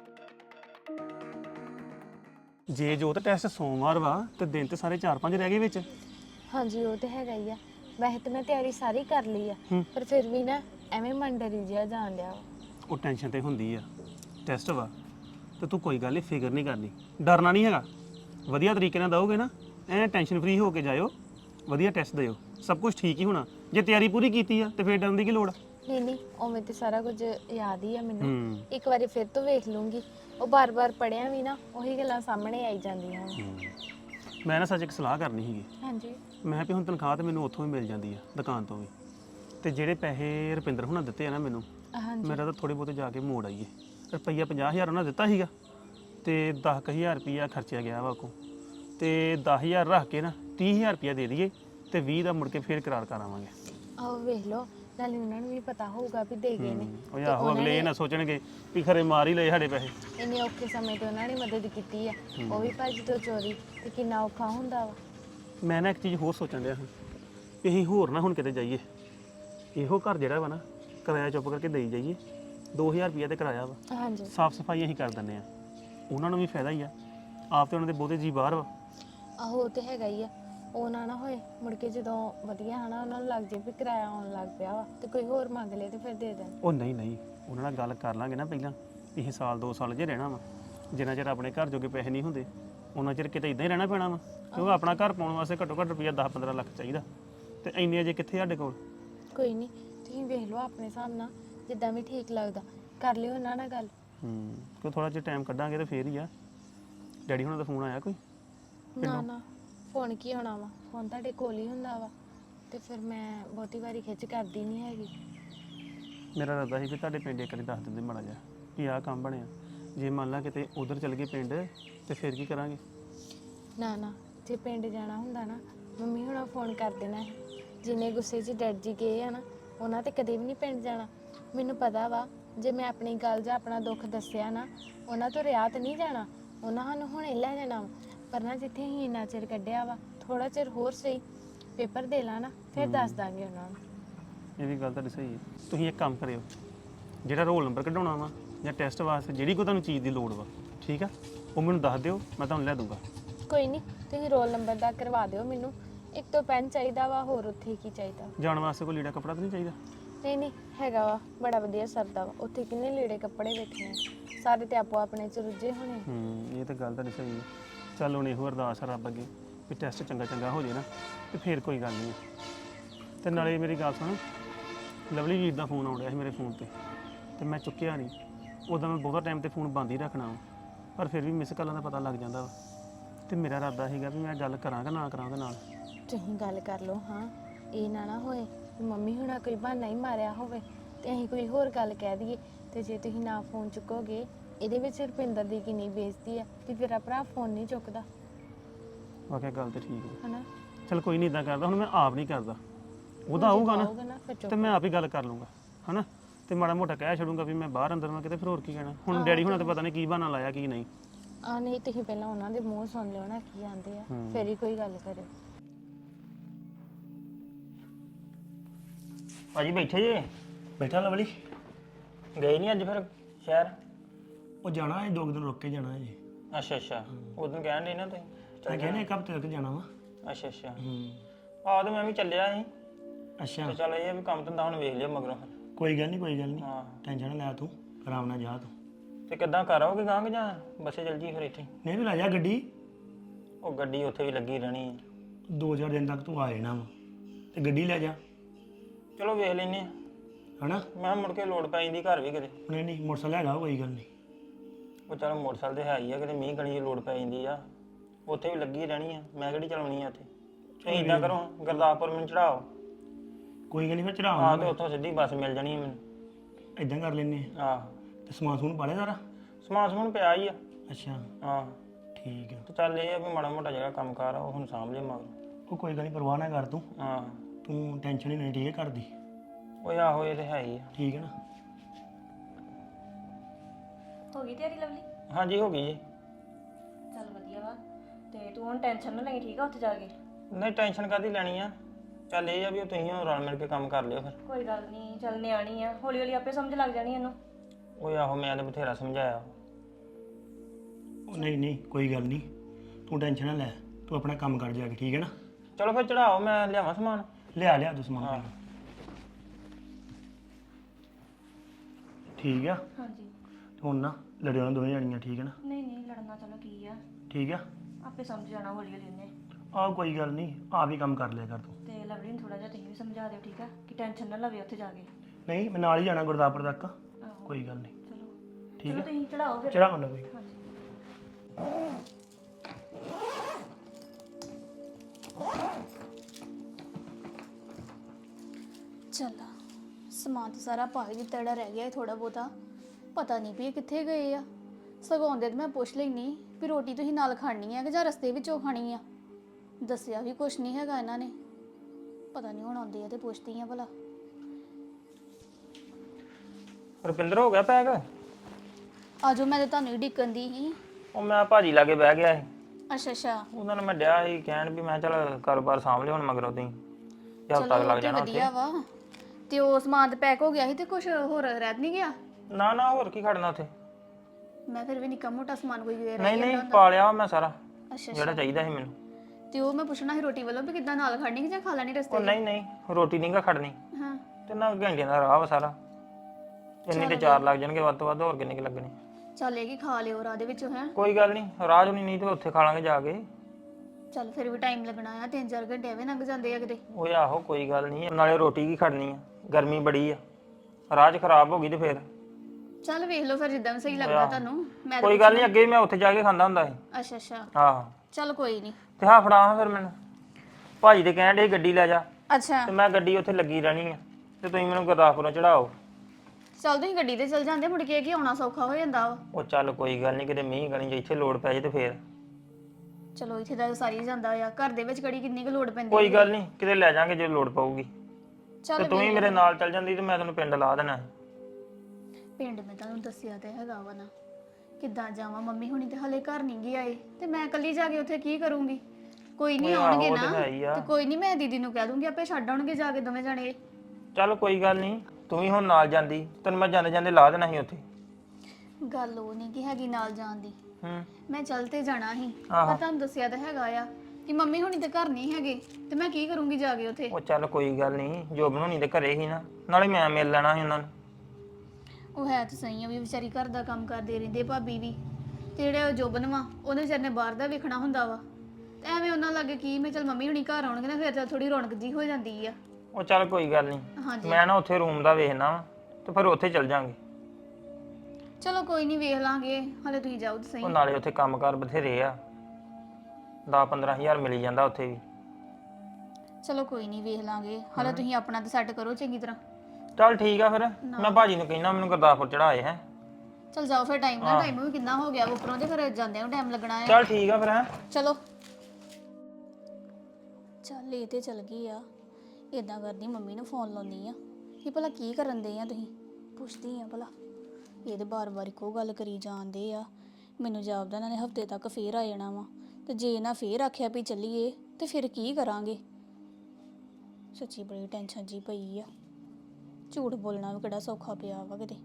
[SPEAKER 3] ਜੇ ਜੋਤ ਟੈਸਟ ਸੋਮਵਾਰ ਵਾ ਤੇ ਦਿਨ ਤੇ ਸਾਰੇ ਚਾਰ ਪੰਜ ਰਹਿ ਗਏ ਵਿੱਚ।
[SPEAKER 4] ਹਾਂਜੀ ਉਹ ਤੇ ਹੈਗਾ ਹੀ ਆ। ਵੈਸੇ ਤਾਂ ਮੈਂ ਤਿਆਰੀ ਸਾਰੀ ਕਰ ਲਈ ਆ, ਪਰ ਫਿਰ ਵੀ ਨਾ ਐਵੇਂ ਮਨ ਡਰੀ ਜਿਹਾ ਜਾਣ ਡਿਆ ਵਾ।
[SPEAKER 3] ਉਹ ਟੈਨਸ਼ਨ ਤੇ ਹੁੰਦੀ ਆ, ਟੈਸਟ ਵਾ ਤੇ ਤੂੰ ਕੋਈ ਗੱਲ ਨਹੀਂ, ਫਿਕਰ ਨਹੀਂ ਕਰਨੀ, ਡਰਨਾ ਨਹੀਂ ਹੈਗਾ। ਵਧੀਆ ਤਰੀਕੇ ਨਾਲ ਦਓਗੇ ਨਾ, ਐ ਟੈਨਸ਼ਨ ਫਰੀ ਹੋ ਕੇ ਜਾਇਓ, ਵਧੀਆ ਟੈਸਟ ਦਿਓ, ਸਭ ਕੁਝ ਠੀਕ ਹੀ ਹੋਣਾ। ਜੇ ਤਿਆਰੀ ਪੂਰੀ ਕੀਤੀ ਆ ਤੇ ਫੇਰ ਡਰਨ ਦੀ ਕੀ ਲੋੜ ਆ?
[SPEAKER 4] ਨਹੀਂ ਨਹੀਂ ਉਵੇਂ ਤੇ ਸਾਰਾ ਕੁਝ ਯਾਦ ਹੀ ਆ ਮੈਨੂੰ।
[SPEAKER 3] ਹੂੰ
[SPEAKER 4] ਇੱਕ ਵਾਰੀ ਫਿਰ ਤੋਂ ਵੇਖ ਲੂੰਗੀ। ਉਹ ਬਾਰ-ਬਾਰ ਪੜਿਆ ਵੀ ਨਾ ਉਹੀ ਗੱਲਾਂ ਸਾਹਮਣੇ ਆਈ ਜਾਂਦੀਆਂ ਵਾ।
[SPEAKER 3] ਮੈਂ ਨਾ ਸੱਚ ਇੱਕ ਸਲਾਹ ਕਰਨੀ ਸੀਗੀ।
[SPEAKER 4] ਹਾਂਜੀ
[SPEAKER 3] ਮੈਂ ਵੀ ਹੁਣ ਤਨਖਾਹ ਤੇ ਮੈਨੂੰ ਉੱਥੋਂ ਹੀ ਮਿਲ ਜਾਂਦੀ ਆ, ਦੁਕਾਨ ਤੋਂ ਵੀ। ਤੇ ਜਿਹੜੇ ਪੈਸੇ ਰੁਪਿੰਦਰ ਹੁਣਾਂ ਦਿੱਤੇ ਆ ਨਾ ਮੈਨੂੰ,
[SPEAKER 4] ਹਾਂਜੀ
[SPEAKER 3] ਮੇਰਾ ਤਾਂ ਥੋੜੇ ਬਹੁਤੇ ਜਾ ਕੇ ਮੋੜ ਆਈਏ। ਰੁਪਈਆ ਪੰਜਾਹ ਹਜ਼ਾਰ ਉਹਨਾਂ ਦਿੱਤਾ ਸੀਗਾ ਤੇ ਦਸ ਕੁ ਹਜ਼ਾਰ ਰੁਪਈਆ ਖਰਚਿਆ ਗਿਆ ਵਾ ਕੋ, ਤੇ ਦਸ ਹਜ਼ਾਰ ਰੱਖ ਕੇ ਨਾ ਤੀਹ ਹਜ਼ਾਰ ਰੁਪਈਆ ਦੇ ਦਈਏ ਤੇ ਵੀਹ ਦਾ ਮੁੜ ਕੇ ਫੇਰ ਕਰਾਰ ਕਰਾਵਾਂਗੇ।
[SPEAKER 4] ਆਹ ਵੇਖ ਲਓ, ਨਾਲੇ ਉਹਨਾਂ ਨੂੰ ਵੀ ਪਤਾ ਹੋਊਗਾ ਵੀ ਦੇ ਗਏ ਨੇ।
[SPEAKER 3] ਉਹ ਆਹੋ ਅਗਲੇ ਇਹ ਨਾ ਸੋਚਣਗੇ ਵੀ ਖਰੇ ਮਾਰ ਹੀ ਲਏ ਸਾਡੇ ਪੈਸੇ।
[SPEAKER 4] ਇੰਨੇ ਔਖੇ ਸਮੇਂ ਤੇ ਉਹਨਾਂ ਨੇ ਮਦਦ ਕੀਤੀ ਆ, ਉਹ ਵੀ ਭੱਜ ਤੋਂ ਚੋਰੀ, ਤੇ ਕਿੰਨਾ ਔਖਾ ਹੁੰਦਾ ਵਾ।
[SPEAKER 3] ਮੈਂ ਨਾ ਇੱਕ ਚੀਜ਼ ਹੋਰ ਸੋਚਣ ਡਿਆ ਹਾਂ ਵੀ ਅਸੀਂ ਹੋਰ ਨਾ ਹੁਣ ਕਿਤੇ ਜਾਈਏ, ਇਹੋ ਘਰ ਜਿਹੜਾ ਵਾ ਨਾ ਕਿਰਾਇਆ ਚੁੱਪ ਕਰਕੇ ਦੇਈ ਜਾਈਏ। ਦੋ ਹਜ਼ਾਰ ਰੁਪਈਆ ਤੇ ਕਿਰਾਇਆ ਵਾ,
[SPEAKER 4] ਹਾਂਜੀ
[SPEAKER 3] ਸਾਫ ਸਫਾਈ ਅਸੀਂ ਕਰ ਦਿੰਦੇ ਆ, ਉਹਨਾਂ ਨੂੰ ਵੀ ਫਾਇਦਾ ਹੀ ਆ। ਆਪ ਤੇ ਉਹਨਾਂ ਦੇ ਬਹੁਤੇ ਜੀ ਬਾਹਰ ਵਾ।
[SPEAKER 4] ਆਹੋ ਉਹ ਤੇ ਹੈਗਾ ਹੀ ਆ। ਉਹ ਨਾ ਨਾ ਹੋਏ ਮੁੜ ਕੇ ਜਦੋਂ ਵਧੀਆ ਹਨਾ ਉਹਨਾਂ ਨੂੰ ਲੱਗ ਜੇ ਵੀ ਕਿਰਾਇਆ ਆਉਣ ਲੱਗ ਪਿਆ ਵਾ ਤੇ ਕੋਈ ਹੋਰ ਮੰਗ ਲੇ ਤੇ ਫਿਰ ਦੇ ਦੇਣ।
[SPEAKER 3] ਉਹ ਨਹੀਂ ਨਹੀਂ, ਉਹਨਾਂ ਨਾਲ ਗੱਲ ਕਰ ਲਾਂਗੇ ਨਾ ਪਹਿਲਾਂ, ਇਹ ਸਾਲ ਦੋ ਸਾਲ ਜੇ ਰਹਿਣਾ ਵਾ। ਜਿੰਨਾ ਚਿਰ ਆਪਣੇ ਘਰ ਜੋਗੇ ਪੈਸੇ ਨਹੀਂ ਹੁੰਦੇ ਉਹਨਾਂ ਚਿਰ ਕਿਤੇ ਇਦਾਂ ਹੀ ਰਹਿਣਾ ਪੈਣਾ ਵਾ, ਕਿਉਂਕਿ ਆਪਣਾ ਘਰ ਪਾਉਣ ਵਾਸਤੇ ਘੱਟੋ ਘੱਟ ਰੁਪਈਆ ਦਸ ਪੰਦਰਾਂ ਲੱਖ ਚਾਹੀਦਾ, ਤੇ ਇੰਨੇ ਅਜੇ ਕਿੱਥੇ ਸਾਡੇ ਕੋਲ।
[SPEAKER 4] ਕੋਈ ਨਹੀਂ, ਤੁਸੀਂ ਵੇਖ ਲਓ ਆਪਣੇ ਹਿਸਾਬ ਨਾਲ, ਜਿੱਦਾਂ ਵੀ ਠੀਕ ਲੱਗਦਾ ਕਰ ਲਿਓ ਉਹਨਾਂ ਨਾਲ ਗੱਲ।
[SPEAKER 3] ਹੂੰ ਕਿਉਂ ਥੋੜਾ ਜਿਹਾ ਟਾਈਮ ਕੱਢਾਂਗੇ ਤੇ ਫੇਰ ਹੀ ਆ। ਡੈਡੀ ਹੁਣਾਂ ਦਾ ਫੋਨ ਆਇਆ ਕੋਈ?
[SPEAKER 4] ਨਾ ਨਾ ਫੋਨ ਕੀ ਹੋਣਾ ਵਾ, ਫੋਨ ਤੁਹਾਡੇ ਕੋਲ ਹੀ ਹੁੰਦਾ ਵਾ, ਤੇ ਫਿਰ ਮੈਂ ਬਹੁਤੀ ਵਾਰੀ ਖਿੱਚ ਕਰਦੀ ਨਹੀਂ ਹੈਗੀ।
[SPEAKER 3] ਮੇਰਾ ਇਰਾਦਾ ਸੀ ਵੀ ਤੁਹਾਡੇ ਪਿੰਡ ਇੱਕ ਵਾਰੀ ਦੱਸ ਦਿੰਦੇ ਮਾੜਾ ਜਿਹਾ ਵੀ ਆਹ ਕੰਮ ਬਣਿਆ। ਜੇ ਮੰਨ ਲਾ ਕਿਤੇ ਉਧਰ ਚਲ ਗਏ ਪਿੰਡ ਤੇ ਫਿਰ ਕੀ ਕਰਾਂਗੇ?
[SPEAKER 4] ਨਾ ਨਾ ਜੇ ਪਿੰਡ ਜਾਣਾ ਹੁੰਦਾ ਨਾ ਮੰਮੀ ਹੁਣਾਂ ਫੋਨ ਕਰ ਦੇਣਾ ਹੈ। ਜਿੰਨੇ ਗੁੱਸੇ 'ਚ ਡੈਡ ਜੀ ਗਏ ਆ ਨਾ, ਉਹਨਾਂ ਤੇ ਕਦੇ ਵੀ ਨਹੀਂ ਪਿੰਡ ਜਾਣਾ। ਮੈਨੂੰ ਪਤਾ ਵਾ ਜੇ ਮੈਂ ਆਪਣੀ ਗੱਲ ਜਾਂ ਆਪਣਾ ਦੁੱਖ ਦੱਸਿਆ ਨਾ, ਉਹਨਾਂ ਤੋਂ ਰਿਆਤ ਨਹੀਂ ਜਾਣਾ, ਉਹਨਾਂ ਸਾਨੂੰ ਹੁਣੇ ਲੈ ਜਾਣਾ ਵਾ। ਪਰ ਨਾ ਜਿੱਥੇ ਅਸੀਂ ਇੰਨਾ ਚਿਰ ਕੱਢਿਆ ਵਾ, ਥੋੜਾ ਚਿਰ ਹੋਰ ਸਹੀ ਪੇਪਰ ਦੇ ਲਾ ਨਾ, ਫਿਰ ਦੱਸ ਦਾਂਗੇ ਉਹਨਾਂ ਨੂੰ।
[SPEAKER 3] ਇਹ ਵੀ ਗੱਲ ਤੁਹਾਡੀ ਸਹੀ ਹੈ। ਤੁਸੀਂ ਇੱਕ ਕੰਮ ਕਰਿਓ, ਜਿਹੜਾ ਰੋਲ ਨੰਬਰ ਕਢਾਉਣਾ ਵਾ ਜਾਂ ਟੈਸਟ ਵਾਸਤੇ ਜਿਹੜੀ ਕੋਈ ਤੁਹਾਨੂੰ ਚੀਜ਼ ਦੀ ਲੋੜ ਵਾ, ਠੀਕ ਆ, ਉਹ ਮੈਨੂੰ ਦੱਸ ਦਿਓ, ਮੈਂ ਤੁਹਾਨੂੰ ਲੈ ਦੂੰਗਾ।
[SPEAKER 4] ਕੋਈ ਨਹੀਂ, ਤੁਸੀਂ ਰੋਲ ਨੰਬਰ ਦਾ ਕਰਵਾ ਦਿਓ ਮੈਨੂੰ। ਇੱਕ ਤੋਂ ਪੈਨ ਚਾਹੀਦਾ ਵਾ, ਹੋਰ ਉੱਥੇ ਕੀ ਚਾਹੀਦਾ?
[SPEAKER 3] ਜਾਣ ਵਾਸਤੇ ਕੋਈ ਲੀੜਾ ਕੱਪੜਾ ਤਾਂ ਨਹੀਂ ਚਾਹੀਦਾ?
[SPEAKER 4] ਨਹੀਂ ਨਹੀਂ ਹੈਗਾ ਵਾ, ਬੜਾ ਵਧੀਆ ਸਰਦਾ ਵਾ। ਉੱਥੇ ਕਿੰਨੇ ਲੀੜੇ ਕੱਪੜੇ ਵੇਖਣੇ ਆ, ਸਾਰੇ ਤੇ ਆਪੋ ਆਪਣੇ ਚ ਰੁੱਝੇ ਹੋਣੇ।
[SPEAKER 3] ਹੂੰ ਇਹ ਤਾਂ ਗੱਲ ਤੁਹਾਡੀ ਸਹੀ ਹੈ। ਚੱਲ ਹੁਣ ਇਹੋ ਅਰਦਾਸ ਆ ਰੱਬ ਅੱਗੇ ਵੀ ਟੈਸਟ ਚੰਗਾ ਚੰਗਾ ਹੋ ਜੇ ਨਾ, ਤੇ ਫੇਰ ਕੋਈ ਗੱਲ ਨਹੀਂ। ਤੇ ਨਾਲੇ ਮੇਰੀ ਗੱਲ ਸੁਣ, ਲਵਲੀ ਵੀਰ ਦਾ ਫੋਨ ਆਉਣ ਡਿਆ ਸੀ ਮੇਰੇ ਫੋਨ ਤੇ, ਤੇ ਮੈਂ ਚੁੱਕਿਆ ਨਹੀਂ। ਉਦੋਂ ਮੈਂ ਬਹੁਤਾ ਟਾਈਮ ਤੇ ਫੋਨ ਬੰਦ ਹੀ ਰੱਖਣਾ ਵਾ, ਪਰ ਫਿਰ ਵੀ ਮਿਸ ਕਾਲਾਂ ਦਾ ਪਤਾ ਲੱਗ ਜਾਂਦਾ ਵਾ। ਤੇ ਮੇਰਾ ਇਰਾਦਾ ਸੀਗਾ ਵੀ ਮੈਂ ਗੱਲ ਕਰਾਂਗਾ ਨਾ ਕਰਾਂ ਉਹਦੇ ਨਾਲ।
[SPEAKER 4] ਤੁਸੀਂ ਗੱਲ ਕਰ ਲਓ। ਹਾਂ ਇਹ ਨਾ ਨਾ ਹੋਏ ਵੀ ਮੰਮੀ ਹੁਣਾ ਕੋਈ ਬਹਾਨਾ ਹੀ ਮਾਰਿਆ ਹੋਵੇ ਤੇ ਅਸੀਂ ਕੋਈ ਹੋਰ ਗੱਲ ਕਹਿ ਦਈਏ, ਤੇ ਜੇ ਤੁਸੀਂ ਨਾ ਫੋਨ ਚੁੱਕੋਗੇ ਇਹਦੇ ਵਿੱਚ ਰੁਪਿੰਦਰ ਦੀ ਕਿੰਨੀ ਬੇਇੱਜ਼ਤੀ ਆ ਵੀ ਤੇਰਾ ਭਰਾ ਫੋਨ ਨਹੀਂ ਚੁੱਕਦਾ।
[SPEAKER 3] ਵਾਕਿਆ ਗੱਲ ਤੇ ਠੀਕ ਹੈ।
[SPEAKER 4] ਹਨਾ
[SPEAKER 3] ਚਲ ਕੋਈ ਨਹੀਂ, ਇਦਾਂ ਕਰਦਾ ਹੁਣ ਮੈਂ ਆਪ ਨਹੀਂ ਕਰਦਾ, ਉਹਦਾ ਆਊਗਾ ਨਾ
[SPEAKER 4] ਆਊਗਾ ਨਾ ਫਿਰ ਚੁੱਕ
[SPEAKER 3] ਤੇ ਮੈਂ ਆਪ ਹੀ ਗੱਲ ਕਰ ਲੂੰਗਾ, ਹਨਾ। ਤੇ ਮਾੜਾ ਮੋਟਾ ਕਹਿ ਛੱਡੂੰਗਾ ਵੀ ਮੈਂ ਬਾਹਰ ਅੰਦਰ ਮੈਂ ਕਿਤੇ, ਫਿਰ ਹੋਰ ਕੀ ਕਹਿਣਾ। ਹੁਣ ਡੈਡੀ ਹੁਣਾਂ ਤੇ ਪਤਾ ਨਹੀਂ ਕੀ ਬਹਾਨਾ ਲਾਇਆ ਕੀ ਨਹੀਂ।
[SPEAKER 4] ਆ ਨਹੀਂ, ਤੁਸੀਂ ਪਹਿਲਾਂ ਉਹਨਾਂ ਦੇ ਮੂੰਹ ਸੁਣ ਲਿਓ ਨਾ ਕੀ ਆਂਦੇ ਆ, ਫਿਰ ਹੀ ਕੋਈ ਗੱਲ ਕਰਿਓ।
[SPEAKER 5] ਭਾਜੀ ਬੈਠੇ ਜੇ?
[SPEAKER 6] ਬੈਠਾ ਲਵਲੀ।
[SPEAKER 5] ਗਏ ਨਹੀਂ ਅੱਜ ਫਿਰ ਸ਼ਹਿਰ?
[SPEAKER 6] ਉਹ ਜਾਣਾ ਹੈ, ਦੋ ਕੁ ਦਿਨ ਰੁਕ ਕੇ ਜਾਣਾ ਹੈ ਜੀ।
[SPEAKER 5] ਅੱਛਾ ਅੱਛਾ, ਉਦੋਂ ਕਹਿਣ ਦੇ ਨਾ ਤੁਸੀਂ
[SPEAKER 6] ਮੈਂ ਕਹਿੰਦਾ ਇੱਕ ਹਫ਼ਤੇ ਤੱਕ ਜਾਣਾ ਵਾ।
[SPEAKER 5] ਅੱਛਾ ਅੱਛਾ,
[SPEAKER 6] ਹੂੰ
[SPEAKER 5] ਆਹ ਤੇ ਮੈਂ ਵੀ ਚੱਲਿਆ ਸੀ।
[SPEAKER 6] ਅੱਛਾ
[SPEAKER 5] ਤੇ ਚੱਲ ਇਹ ਆ ਵੀ ਕੰਮ ਧੰਦਾ ਹੁਣ ਵੇਖ ਲਿਆ ਮਗਰੋਂ ਫਿਰ।
[SPEAKER 6] ਕੋਈ ਗੱਲ ਨਹੀਂ, ਕੋਈ ਗੱਲ ਨਹੀਂ,
[SPEAKER 5] ਹਾਂ
[SPEAKER 6] ਟੈਨਸ਼ਨ ਨਾ ਲੈ ਤੂੰ, ਆਰਾਮ ਨਾਲ ਜਾ ਤੂੰ।
[SPEAKER 5] ਤੇ ਕਿੱਦਾਂ ਘਰ ਆਓਗੇ ਗਾਂਗ ਜਾਂ ਬੱਸੇ ਚੱਲ ਜੀ ਫਿਰ ਇੱਥੇ?
[SPEAKER 6] ਨਹੀਂ ਤੂੰ ਲੈ ਜਾ ਗੱਡੀ,
[SPEAKER 5] ਉਹ ਗੱਡੀ ਉੱਥੇ ਵੀ ਲੱਗੀ ਰਹਿਣੀ ਹੈ।
[SPEAKER 6] ਦੋ ਚਾਰ ਦਿਨ ਤੱਕ ਤੂੰ ਆ ਜਾਣਾ ਵਾ, ਤੇ ਗੱਡੀ ਲੈ ਜਾ,
[SPEAKER 5] ਚਲੋ ਵੇਖ ਲੈਨੇ ਆ।
[SPEAKER 6] ਹਨਾ।
[SPEAKER 5] ਮੈਂ ਮੁੜ ਕੇ ਲੋੜ ਪੈ ਜਾਂਦੀ ਘਰ ਵੀ ਕਿਤੇ।
[SPEAKER 6] ਨਹੀਂ ਨਹੀਂ ਮੋਟਰਸਾਈਕਲ ਹੈਗਾ, ਕੋਈ ਗੱਲ ਨਹੀਂ।
[SPEAKER 5] ਉਹ ਚੱਲ ਮੋਟਰਸਾਈਕਲ ਤੇ ਹੈ ਹੀ ਆ, ਕਿਤੇ ਮੀਂਹ ਕਣੀ ਦੀ ਲੋੜ ਪੈ ਜਾਂਦੀ ਆ, ਉੱਥੇ ਵੀ ਲੱਗੀ ਰਹਿਣੀ ਆ, ਮੈਂ ਕਿਹੜੀ ਚਲਾਉਣੀ ਆ ਉੱਥੇ। ਤੁਸੀਂ ਇੱਦਾਂ ਕਰੋ, ਗੁਰਦਾਸਪੁਰ ਮੈਨੂੰ ਚੜਾਓ।
[SPEAKER 6] ਕੋਈ ਗੱਲ ਨਹੀਂ, ਫਿਰ
[SPEAKER 5] ਆਹ
[SPEAKER 6] ਚੜਾਵਾਂਗਾ
[SPEAKER 5] ਤੇ ਉੱਥੋਂ ਸਿੱਧੀ ਬੱਸ ਮਿਲ ਜਾਣੀ ਆ ਮੈਨੂੰ।
[SPEAKER 6] ਇਦਾਂ ਕਰ ਲੈਨੇ ਆ।
[SPEAKER 5] ਆਹ
[SPEAKER 6] ਤੇ ਸਮਾਨ ਸਮੂਨ ਪਾ ਲਿਆ ਸਾਰਾ?
[SPEAKER 5] ਸਮਾਨ ਸਮੂਨ ਪਿਆ ਹੀ ਆ।
[SPEAKER 6] ਅੱਛਾ
[SPEAKER 5] ਹਾਂ
[SPEAKER 6] ਠੀਕ ਆ।
[SPEAKER 5] ਤੇ ਚੱਲ ਇਹ ਆ ਵੀ ਮਾੜਾ ਮੋਟਾ ਜਿਹੜਾ ਕੰਮ ਕਾਰ ਆ ਉਹ ਹੁਣ ਸਾਂਭ ਲਿਆ ਮਗਰ।
[SPEAKER 6] ਉਹ ਕੋਈ ਗੱਲ ਨਹੀਂ, ਪਰਵਾਹ ਨਾ ਕਰ ਤੂੰ,
[SPEAKER 5] ਹਾਂ
[SPEAKER 6] ਤੂੰ ਟੈਨਸ਼ਨ ਹੀ ਨਹੀਂ ਠੀਕ ਹੈ ਘਰ ਦੀ।
[SPEAKER 5] ਓਏ ਆਹੋ ਇਹ ਤੇ ਹੈ ਹੀ ਆ।
[SPEAKER 6] ਠੀਕ ਹੈ ਨਾ?
[SPEAKER 7] ਹੋ ਗਈ ਤਿਆਰੀ ਲਵਲੀ?
[SPEAKER 5] ਹਾਂਜੀ ਹੋ ਗਈ ਜੀ।
[SPEAKER 7] ਚੱਲ ਵਧੀਆ ਵਾ। ਤੇ ਤੂੰ ਹੁਣ ਟੈਨਸ਼ਨ ਨਾ ਲਈ, ਠੀਕ ਆ ਉੱਥੇ ਜਾ ਕੇ?
[SPEAKER 5] ਨਹੀਂ ਟੈਨਸ਼ਨ ਕਾਹਦੀ ਲੈਣੀ ਆ, ਚੱਲ ਇਹ ਆ ਵੀ ਤੁਸੀਂ ਹੁਣ ਰਲ ਮਿਲ ਕੇ ਕੰਮ ਕਰ ਲਿਓ ਫਿਰ।
[SPEAKER 7] ਕੋਈ ਗੱਲ ਨਹੀਂ, ਚੱਲ ਨਿਆਣੀ ਆ, ਹੌਲੀ ਹੌਲੀ ਆਪੇ ਸਮਝ ਲੱਗ ਜਾਣੀ ਇਹਨੂੰ।
[SPEAKER 5] ਓਏ ਆਹੋ ਮੈਂ ਤਾਂ ਬਥੇਰਾ ਸਮਝਾਇਆ।
[SPEAKER 6] ਉਹ ਨਹੀਂ ਨਹੀਂ ਕੋਈ ਗੱਲ ਨਹੀਂ, ਤੂੰ ਟੈਨਸ਼ਨ ਨਾ ਲੈ, ਤੂੰ ਆਪਣਾ ਕੰਮ ਕਰ ਜਾ ਕੇ, ਠੀਕ ਹੈ ਨਾ?
[SPEAKER 5] ਚਲੋ ਫਿਰ ਚੜਾਓ, ਮੈਂ ਲਿਆਵਾਂ ਸਮਾਨ।
[SPEAKER 6] ਲਿਆ ਲਿਆ ਤੂੰ ਸਮਾਨ ਪਹਿਲਾਂ। ਠੀਕ ਆ?
[SPEAKER 7] ਹਾਂਜੀ।
[SPEAKER 6] ਤੇ ਹੁਣ ਨਾ ਲੜਿਓ ਨਾ ਦੋਵੇਂ ਜਾਣੀਆਂ, ਠੀਕ ਹੈ ਨਾ?
[SPEAKER 7] ਨਹੀਂ ਨਹੀਂ ਲੜਨਾ ਚਲੋ ਕੀ ਆ,
[SPEAKER 6] ਠੀਕ ਆ?
[SPEAKER 7] ਆਪੇ ਸਮਝ ਜਾਣਾ ਹੌਲੀ ਹੌਲੀ ਉਹਨੇ।
[SPEAKER 6] ਆਹ ਕੋਈ ਗੱਲ ਨਹੀਂ, ਆਪ ਹੀ ਕੰਮ ਕਰ ਲਿਆ ਕਰ ਤੂੰ।
[SPEAKER 7] ਤੇ ਲਵਲੀ ਨੂੰ ਥੋੜਾ ਜਿਹਾ ਤੁਸੀਂ ਵੀ ਸਮਝਾ ਦਿਓ, ਠੀਕ ਆ, ਕਿ ਟੈਨਸ਼ਨ ਨਾ ਲਵੇ ਉੱਥੇ ਜਾ ਕੇ।
[SPEAKER 6] ਨਹੀਂ ਮੈਂ ਨਾਲ ਹੀ ਜਾਣਾ ਗੁਰਦਾਸਪੁਰ ਤੱਕ,
[SPEAKER 7] ਆਹੋ
[SPEAKER 6] ਕੋਈ ਗੱਲ ਨਹੀਂ।
[SPEAKER 7] ਚਲੋ
[SPEAKER 6] ਠੀਕ
[SPEAKER 7] ਚਲੋ
[SPEAKER 6] ਹੈ?
[SPEAKER 7] ਤੁਸੀਂ ਚੜਾਓ ਫਿਰ।
[SPEAKER 6] ਚੜਾ ਉਹਨਾਂ ਕੋਈ।
[SPEAKER 7] ਹਾਂਜੀ।
[SPEAKER 8] ਚੱਲ ਸਮਾਨ ਤਾਂ ਸਾਰਾ ਪਾ ਹੀ ਦਿੱਤਾ, ਜਿਹੜਾ ਰਹਿ ਗਿਆ ਥੋੜਾ ਬਹੁਤਾ। ਪਤਾ ਨਹੀਂ ਵੀ ਇਹ ਕਿੱਥੇ ਗਏ ਆ। ਸਗੋਂ ਆਉਂਦੇ ਤਾਂ ਮੈਂ ਪੁੱਛ ਲੈਣੀ ਵੀ ਰੋਟੀ ਤੁਸੀਂ ਨਾਲ ਖਾਣੀ ਆ ਕਿ ਜਾਂ ਰਸਤੇ ਵਿੱਚੋਂ ਖਾਣੀ ਆ। ਦੱਸਿਆ ਵੀ ਕੁਛ ਨਹੀਂ ਹੈਗਾ ਇਹਨਾਂ ਨੇ। ਪਤਾ ਨਹੀਂ ਹੁਣ ਆਉਂਦੇ ਆ ਤੇ ਪੁੱਛਦੀ ਆ ਭਲਾ।
[SPEAKER 5] ਰੁਪਿੰਦਰ ਹੋ ਗਿਆ ਪੈਕ?
[SPEAKER 8] ਆਜੋ, ਮੈਂ ਤਾਂ ਤੁਹਾਨੂੰ ਹੀ ਡਿੱਕਣ ਦੀ ਸੀ।
[SPEAKER 5] ਉਹ ਮੈਂ ਭਾਜੀ ਲਾਗੇ ਬਹਿ ਗਿਆ ਸੀ,
[SPEAKER 8] ਅੱਛਾ ਅੱਛਾ,
[SPEAKER 5] ਉਹਨਾਂ ਨੂੰ ਮੈਂ ਡਿਆ ਸੀ ਕਹਿਣ ਵੀ ਮੈਂ ਚੱਲ ਕਾਰੋਬਾਰ ਸਾਂਭ ਲਿਓ ਹੁਣ ਮਗਰੋਂ ਤੁਸੀਂ, ਹਫ਼ਤਾ
[SPEAKER 8] ਚਲੋ
[SPEAKER 5] ਲੱਗ
[SPEAKER 8] ਤੇ
[SPEAKER 5] ਜਾਣਾ ਉੱਥੇ।
[SPEAKER 8] ਵਧੀਆ ਵਾ। ਤੇ ਉਹ ਸਮਾਨ ਤਾਂ ਪੈਕ ਹੋ ਗਿਆ ਸੀ ਤੇ ਕੁਛ ਹੋਰ ਰਹਿ ਨਹੀਂ ਗਿਆ?
[SPEAKER 5] ਨਾ ਨਾ ਹੋਰ ਕੀ ਖੜਨਾ ਉੱਥੇ।
[SPEAKER 8] ਮੈਂ ਫਿਰ ਵੀ ਨਿੱਕਾ ਮੋਟਾ ਸਮਾਨ ਕੋਈ ਰਹਿ
[SPEAKER 5] ਨਹੀਂ
[SPEAKER 8] ਗਿਆ
[SPEAKER 5] ਨਹੀਂ
[SPEAKER 8] ਹੁੰਦਾ।
[SPEAKER 5] ਪਾ ਲਿਆ ਮੈਂ ਸਾਰਾ
[SPEAKER 8] ਅੱਛਾ
[SPEAKER 5] ਜਿਹੜਾ
[SPEAKER 8] ਅੱਛਾ।
[SPEAKER 5] ਚਾਹੀਦਾ ਸੀ ਮੈਨੂੰ।
[SPEAKER 8] ਤੇ ਉਹ ਮੈਂ ਪੁੱਛਣਾ ਸੀ ਰੋਟੀ ਵੱਲੋਂ ਵੀ ਕਿੱਦਾਂ ਨਾਲ ਖਾਣੀ ਕਿ ਜਾਂ ਖਾ ਲੈਣੀ ਰਸਤੇ
[SPEAKER 5] ਉਹ
[SPEAKER 8] 'ਚ?
[SPEAKER 5] ਨਹੀਂ ਨਹੀਂ ਰੋਟੀ ਨਹੀਂ ਗਾ ਖੜਨੀ,
[SPEAKER 8] ਹਾਂ
[SPEAKER 5] ਤੇ ਨਾ ਘੰਟੇ ਦਾ ਰਾਹ ਵਾ ਸਾਰਾ, ਇੰਨੀ ਤੇ ਚਾਰ ਲੱਗ ਜਾਣਗੇ ਵੱਧ ਤੋਂ ਵੱਧ, ਹੋਰ ਕਿੰਨੇ ਕੁ ਲੱਗਣੇ।
[SPEAKER 8] ਚੱਲ ਇਹ ਕੀ ਖਾ ਲਿਓ ਰਾਹ ਦੇ ਵਿੱਚੋਂ ਹੈ।
[SPEAKER 5] ਕੋਈ ਗੱਲ ਨਹੀਂ, ਰਾਹ ਚੋਂ ਨਹੀਂ ਤੇ ਉੱਥੇ ਖਾ ਲਾਂਗੇ ਜਾ ਕੇ।
[SPEAKER 8] ਚੱਲ ਫਿਰ ਵੀ ਟਾਈਮ ਲੱਗਣਾ ਆ, ਤਿੰਨ ਚਾਰ ਘੰਟੇ ਐਵੇਂ ਲੰਘ ਜਾਂਦੇ ਆ ਕਿਤੇ।
[SPEAKER 5] ਓਏ ਆਹੋ ਕੋਈ ਗੱਲ ਨਹੀਂ, ਨਾਲੇ ਰੋਟੀ ਕੀ ਖੜਨੀ ਆ, ਗਰਮੀ ਬੜੀ ਆ, ਰਾਹ 'ਚ ਖਰਾਬ ਹੋ ਗਈ ਤੇ ਫਿਰ।
[SPEAKER 8] ਚੱਲ ਵੇਖ ਲਓ ਫਿਰ ਜਿੱਦਾਂ ਵੀ ਸਹੀ ਲੱਗਦਾ ਤੁਹਾਨੂੰ। ਮੈਂ ਤਾਂ
[SPEAKER 5] ਕੋਈ ਗੱਲ ਨਹੀਂ, ਅੱਗੇ ਵੀ ਮੈਂ ਉੱਥੇ ਜਾ ਕੇ ਖਾਂਦਾ ਹੁੰਦਾ ਸੀ।
[SPEAKER 8] ਅੱਛਾ ਅੱਛਾ,
[SPEAKER 5] ਆਹੋ
[SPEAKER 8] ਚੱਲ ਕੋਈ ਨਹੀਂ।
[SPEAKER 5] ਤੇ ਹਾਂ ਫੜਾ ਫਿਰ ਮੈਨੂੰ, ਭਾਜੀ ਦੇ ਕਹਿਣ ਡੇ ਗੱਡੀ ਲੈ ਜਾ,
[SPEAKER 8] ਅੱਛਾ
[SPEAKER 5] ਤੇ ਮੈਂ ਗੱਡੀ ਉੱਥੇ ਲੱਗੀ ਰਹਿਣੀ ਆ, ਤੇ ਤੁਸੀਂ ਮੈਨੂੰ ਗੁਰਦਾਸਪੁਰੋਂ ਚੜਾਓ।
[SPEAKER 8] ਚੱਲ ਤੁਸੀਂ ਗੱਡੀ ਤੇ ਚੱਲ ਜਾਂਦੇ, ਮੁੜ ਕੇ ਕੀ ਆਉਣਾ ਸੌਖਾ ਹੋ ਜਾਂਦਾ ਵਾ।
[SPEAKER 5] ਉਹ ਚੱਲ ਕੋਈ ਗੱਲ ਨਹੀਂ, ਕਿਤੇ ਮੀਂਹ ਗਣੀ ਜੇ ਇੱਥੇ ਲੋੜ ਪੈ ਜੇ ਤੇ ਫੇਰ।
[SPEAKER 8] ਚਲੋ ਇੱਥੇ ਤਾਂ ਸਾਰੀ ਜਾਂਦਾ ਆ, ਘਰ ਦੇ ਵਿੱਚ ਕਿਹੜੀ ਕਿੰਨੀ ਕੁ ਲੋੜ ਪੈਂਦੀ
[SPEAKER 5] ਕੋਈ ਗੱਲ ਨਹੀਂ, ਕਿਤੇ ਲੈ ਜਾਾਂਗੇ ਜੇ ਲੋੜ ਪਊਗੀ।
[SPEAKER 8] ਚੱਲ
[SPEAKER 5] ਤੇ ਤੂੰ ਵੀ ਮੇਰੇ ਨਾਲ ਚੱਲ ਜਾਂਦੀ ਤੇ ਮੈਂ ਤੈਨੂੰ ਪਿੰਡ ਲਾ ਦੇਣਾ ਸੀ।
[SPEAKER 8] ਪਿੰਡ ਮੈਂ ਤੁਹਾਨੂੰ ਦੱਸਿਆ ਤੇ ਹੈਗਾ ਵਾ ਨਾ, ਕਿੱਦਾਂ ਜਾਵਾਂ। ਮੰਮੀ ਹੁਣੀ ਤੇ ਹਲੇ ਘਰ ਨਹੀਂ ਗਏ ਆਏ, ਤੇ ਮੈਂ ਇਕੱਲੀ ਜਾ ਕੇ ਉੱਥੇ ਕੀ ਕਰੂੰਗੀ। ਕੋਈ ਨਹੀਂ
[SPEAKER 5] ਆਹੋ,
[SPEAKER 8] ਆਉਣਗੇ
[SPEAKER 5] ਉਹ ਤੇ
[SPEAKER 8] ਨਾ,
[SPEAKER 5] ਹੈ ਹੀ ਆ।
[SPEAKER 8] ਤੇ ਕੋਈ ਨਹੀਂ ਮੈਂ ਦੀਦੀ ਨੂੰ ਕਹਿ ਦੂੰਗੀ, ਆਪੇ ਛੱਡ ਆਉਣਗੇ ਜਾ ਕੇ ਦੋਵੇਂ ਜਾਣੇ।
[SPEAKER 5] ਚੱਲ ਕੋਈ ਗੱਲ ਨਹੀਂ, ਤੂੰ ਵੀ ਹੁਣ ਨਾਲ ਜਾਂਦੀ, ਤੈਨੂੰ ਮੈਂ ਜਾਂਦੇ ਜਾਂਦੇ ਲਾ ਦੇਣਾ ਸੀ ਉੱਥੇ।
[SPEAKER 8] ਗੱਲ ਉਹ ਨਹੀਂ ਕਿ ਹੈਗੀ ਨਾਲ ਜਾਣ ਦੀ,
[SPEAKER 5] ਹੂੰ
[SPEAKER 8] ਮੈਂ ਚੱਲ ਤੇ ਜਾਣਾ ਸੀ।
[SPEAKER 5] ਆਹੋ।
[SPEAKER 8] ਪਰ ਤੁਹਾਨੂੰ ਦੱਸਿਆ ਤਾਂ ਹੈਗਾ ਆ ਕਿ ਮੰਮੀ ਹੁਣੀ ਤੇ ਘਰ ਨਹੀਂ ਹੈਗੇ, ਤੇ ਮੈਂ ਕੀ ਕਰੂੰਗੀ ਜਾ ਕੇ ਉੱਥੇ।
[SPEAKER 5] ਉਹ ਚੱਲ ਕੋਈ ਗੱਲ ਨਹੀਂ, ਜੋਬਨ ਹੋਣੀ ਤੇ ਘਰੇ ਹੀ ਨਾ, ਨਾਲੇ ਮੈਂ ਮਿਲ ਲੈਣਾ ਸੀ ਉਹਨਾਂ ਨੂੰ।
[SPEAKER 8] ਉਹ ਹੈ ਤਾਂ ਸਹੀ ਆ ਵੀ ਵਿਚਾਰੀ ਘਰ ਦਾ ਕੰਮ ਕਰਦੇ ਰਹਿੰਦੇ, ਭਾਬੀ ਵੀ। ਤੇ ਜਿਹੜੇ ਉਹ ਜੋਬਨ ਵਾ, ਉਹਨੇ ਵਿਚਾਰੇ ਨੇ ਬਾਹਰ ਦਾ ਵੇਖਣਾ ਹੁੰਦਾ ਵਾ, ਤੇ ਐਵੇਂ ਉਹਨਾਂ ਲੱਗੇ ਕੀ ਮੈਂ ਚੱਲ ਮੰਮੀ ਹੁਣੀ ਘਰ ਆਉਣਗੇ ਨਾ, ਫਿਰ ਤਾਂ ਥੋੜੀ ਰੌਣਕ ਜੀ ਹੋ ਜਾਂਦੀ ਆ।
[SPEAKER 5] ਉਹ ਚੱਲ ਕੋਈ ਗੱਲ ਨਹੀਂ,
[SPEAKER 8] ਹਾਂਜੀ
[SPEAKER 5] ਮੈਂ ਨਾ ਉੱਥੇ ਰੂਮ ਦਾ ਵੇਖਣਾ ਵਾ, ਤੇ ਫਿਰ ਉੱਥੇ ਚੱਲ ਜਾਾਂਗੇ।
[SPEAKER 8] ਚਲੋ ਕੋਈ ਨਹੀਂ, ਵੇਖ ਲਾਂਗੇ, ਹਲੇ ਤੁਸੀਂ ਜਾਓ ਤਾਂ ਸਹੀ।
[SPEAKER 5] ਉਹ ਨਾਲੇ ਉੱਥੇ ਕੰਮਕਾਰ ਬਥੇਰੇ ਆ, ਦਸ ਪੰਦਰਾਂ ਹਜ਼ਾਰ ਮਿਲੀ ਜਾਂਦਾ ਉੱਥੇ ਵੀ।
[SPEAKER 8] ਚਲੋ ਕੋਈ ਨਹੀਂ, ਵੇਖ ਲਾਂਗੇ, ਹਲੇ ਤੁਸੀਂ ਆਪਣਾ ਤਾਂ ਸੈੱਟ ਕਰੋ ਚੰਗੀ ਤਰ੍ਹਾਂ।
[SPEAKER 5] ਚੱਲ ਠੀਕ ਆ ਫਿਰ, ਮੈਂ ਭਾਜੀ ਨੂੰ ਕਹਿਣਾ ਮੈਨੂੰ ਗੁਰਦਾਸਪੁਰ ਚੜਾਏ ਹੈ।
[SPEAKER 8] ਚਲ ਜਾਓ ਫਿਰ, ਟਾਈਮ ਨਾਲ, ਟਾਈਮ ਵੀ ਕਿੰਨਾ ਹੋ ਗਿਆ ਉੱਪਰੋਂ, ਤੇ ਫਿਰ ਜਾਂਦੇ ਨੂੰ ਟਾਈਮ ਲੱਗਣਾ ਹੈ।
[SPEAKER 5] ਚੱਲ ਠੀਕ ਆ ਫਿਰ ਹੈ।
[SPEAKER 8] ਚਲੋ ਚੱਲ ਇਹ ਤੇ ਚਲ ਗਈ ਆ। ਇਦਾਂ ਕਰਦੀ ਮੰਮੀ ਨੂੰ ਫੋਨ ਲਾਉਣੀ ਆ ਕਿ ਭਲਾ ਕੀ ਕਰਨ ਦੇ ਆ ਤੁਸੀਂ, ਪੁੱਛਦੀ ਆ ਭਲਾ। ਇਹਦੇ ਬਾਰ-ਬਾਰ ਇੱਕੋ ਗੱਲ ਕਰੀ ਜਾਂਦੇ ਆ, ਮੈਨੂੰ ਜਾਪਦਾ ਇਹਨਾਂ ਨੇ ਹਫਤੇ ਤੱਕ ਫੇਰ ਆ ਜਾਣਾ ਵਾ, ਤੇ ਜੇ ਇਹਨਾਂ ਫੇਰ ਆਖਿਆ ਵੀ ਚੱਲੀਏ ਤੇ ਫਿਰ ਕੀ ਕਰਾਂਗੇ। ਸੱਚੀ ਬੜੀ ਟੈਨਸ਼ਨ ਜੀ ਪਈ ਆ, ਝੂਠ ਬੋਲਣਾ ਵੀ ਕਿਹੜਾ ਸੌਖਾ ਪਿਆ ਵਾ ਕਿਤੇ।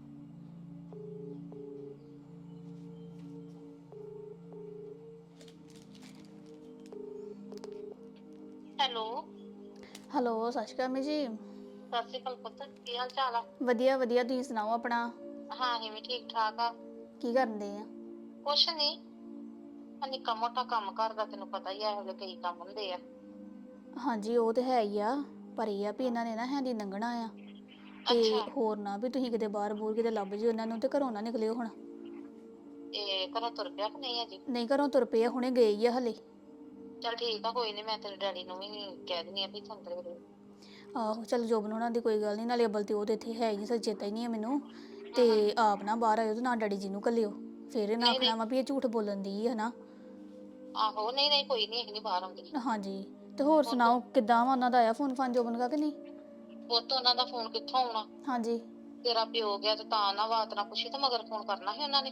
[SPEAKER 9] ਹੈਲੋ
[SPEAKER 8] ਹੈਲੋ, ਸਤਿ ਸ਼੍ਰੀ ਅਕਾਲ ਮੀ ਜੀ।
[SPEAKER 9] ਸਤਿ ਸ਼੍ਰੀ ਅਕਾਲ ਪੁੱਤ, ਕੀ ਹਾਲ ਚਾਲ ਆ?
[SPEAKER 8] ਵਧੀਆ ਵਧੀਆ, ਤੁਸੀਂ ਸੁਣਾਓ ਆਪਣਾ।
[SPEAKER 9] ਹਾਂ ਅਸੀਂ ਵੀ ਠੀਕ ਠਾਕ ਆ।
[SPEAKER 8] ਕੀ ਕਰਦੇ ਆ?
[SPEAKER 9] ਕੁਛ ਨਹੀਂ, ਆ ਨਿੱਕਾ ਮੋਟਾ ਕੰਮ ਕਰਦਾ, ਤੈਨੂੰ ਪਤਾ ਹੀ ਆ ਇਹੋ ਜਿਹੇ ਕਈ ਕੰਮ ਹੁੰਦੇ ਆ।
[SPEAKER 8] ਹਾਂਜੀ ਉਹ ਤੇ ਹੈ ਹੀ ਆ, ਪਰ ਇਹ ਆ ਵੀ ਇਹਨਾਂ ਨੇ ਨਾ ਹੈਂਦੀ ਲੰਘਣਾ ਆ, ਤੇ ਹੋਰ ਨਾ ਵੀ ਤੁਸੀਂ ਕਿਤੇ ਬਾਹਰ ਬੂਰ ਕਿਤੇ ਲੱਭ ਜਿਓ ਇਹਨਾਂ ਨੂੰ, ਤੇ ਘਰੋਂ ਨਾ ਨਿਕਲਿਓ ਹੁਣ।
[SPEAKER 9] ਇਹ ਘਰੋਂ ਤੁਰ ਪਿਆ ਕਿ ਨਹੀਂ ਅਜੇ?
[SPEAKER 8] ਨਹੀਂ, ਘਰੋਂ ਤੁਰ ਪਏ ਆ, ਹੁਣੇ ਗਏ ਹੀ ਆ ਹਲੇ।
[SPEAKER 9] ਚੱਲ ਠੀਕ ਆ, ਕੋਈ ਨਹੀਂ, ਮੈਂ ਤੇਰੇ ਡੈਡੀ ਨੂੰ ਵੀ ਕਹਿ ਦਿੰਦੀ ਆ ਵੀ ਸੰਦਰ ਵੇਲੇ।
[SPEAKER 8] ਆਹੋ ਚੱਲ, ਜੋਬਨ ਹੋਣਾ ਦੀ ਕੋਈ ਗੱਲ ਨਹੀਂ, ਨਾਲੇ ਅਬਲ ਤੇ ਉਹ ਤੇ ਇੱਥੇ ਹੈ ਹੀ ਨਹੀਂ, ਸੱਚ ਚੇਤਾ ਹੀ ਨਹੀਂ ਆ ਮੈਨੂੰ। ਤੇ ਆਪ ਨਾ ਬਾਹਰ ਆਇਓ ਤੇ ਨਾ ਡੈਡੀ ਜੀ ਨੂੰ ਘੱਲਿਓ, ਫਿਰ ਇਹਨਾਂ ਆਖਣਾ ਵਾ ਵੀ ਇਹ ਝੂਠ ਬੋਲਣ ਦੀ ਹੈ ਨਾ।
[SPEAKER 9] ਆਹੋ ਨਹੀਂ ਨਹੀਂ ਕੋਈ ਨਹੀਂ, ਅਸੀਂ ਨਹੀਂ ਬਾਹਰ ਆਉਂਦੇ।
[SPEAKER 8] ਹਾਂਜੀ, ਤੇ ਹੋਰ ਸੁਣਾਓ, ਕਿੱਦਾਂ ਵਾ ਉਹਨਾਂ ਦਾ? ਆਇਆ ਫੋਨ ਫਾਨ ਜੋਬਨ ਦਾ ਕਿ ਨਹੀਂ?
[SPEAKER 9] ਪੁੱਤ ਉਹਨਾਂ ਦਾ ਫੋਨ ਕਿੱਥੋਂ ਆਉਣਾ?
[SPEAKER 8] ਹਾਂਜੀ
[SPEAKER 9] ਤੇਰਾ ਪਿਓ ਗਿਆ ਤੇ ਤਾਂ ਨਾ ਬਾਤ ਨਾ ਪੁੱਛੀ ਤੇ ਮਗਰ ਫੋਨ ਕਰਨਾ ਸੀ ਉਹਨਾਂ ਨੇ।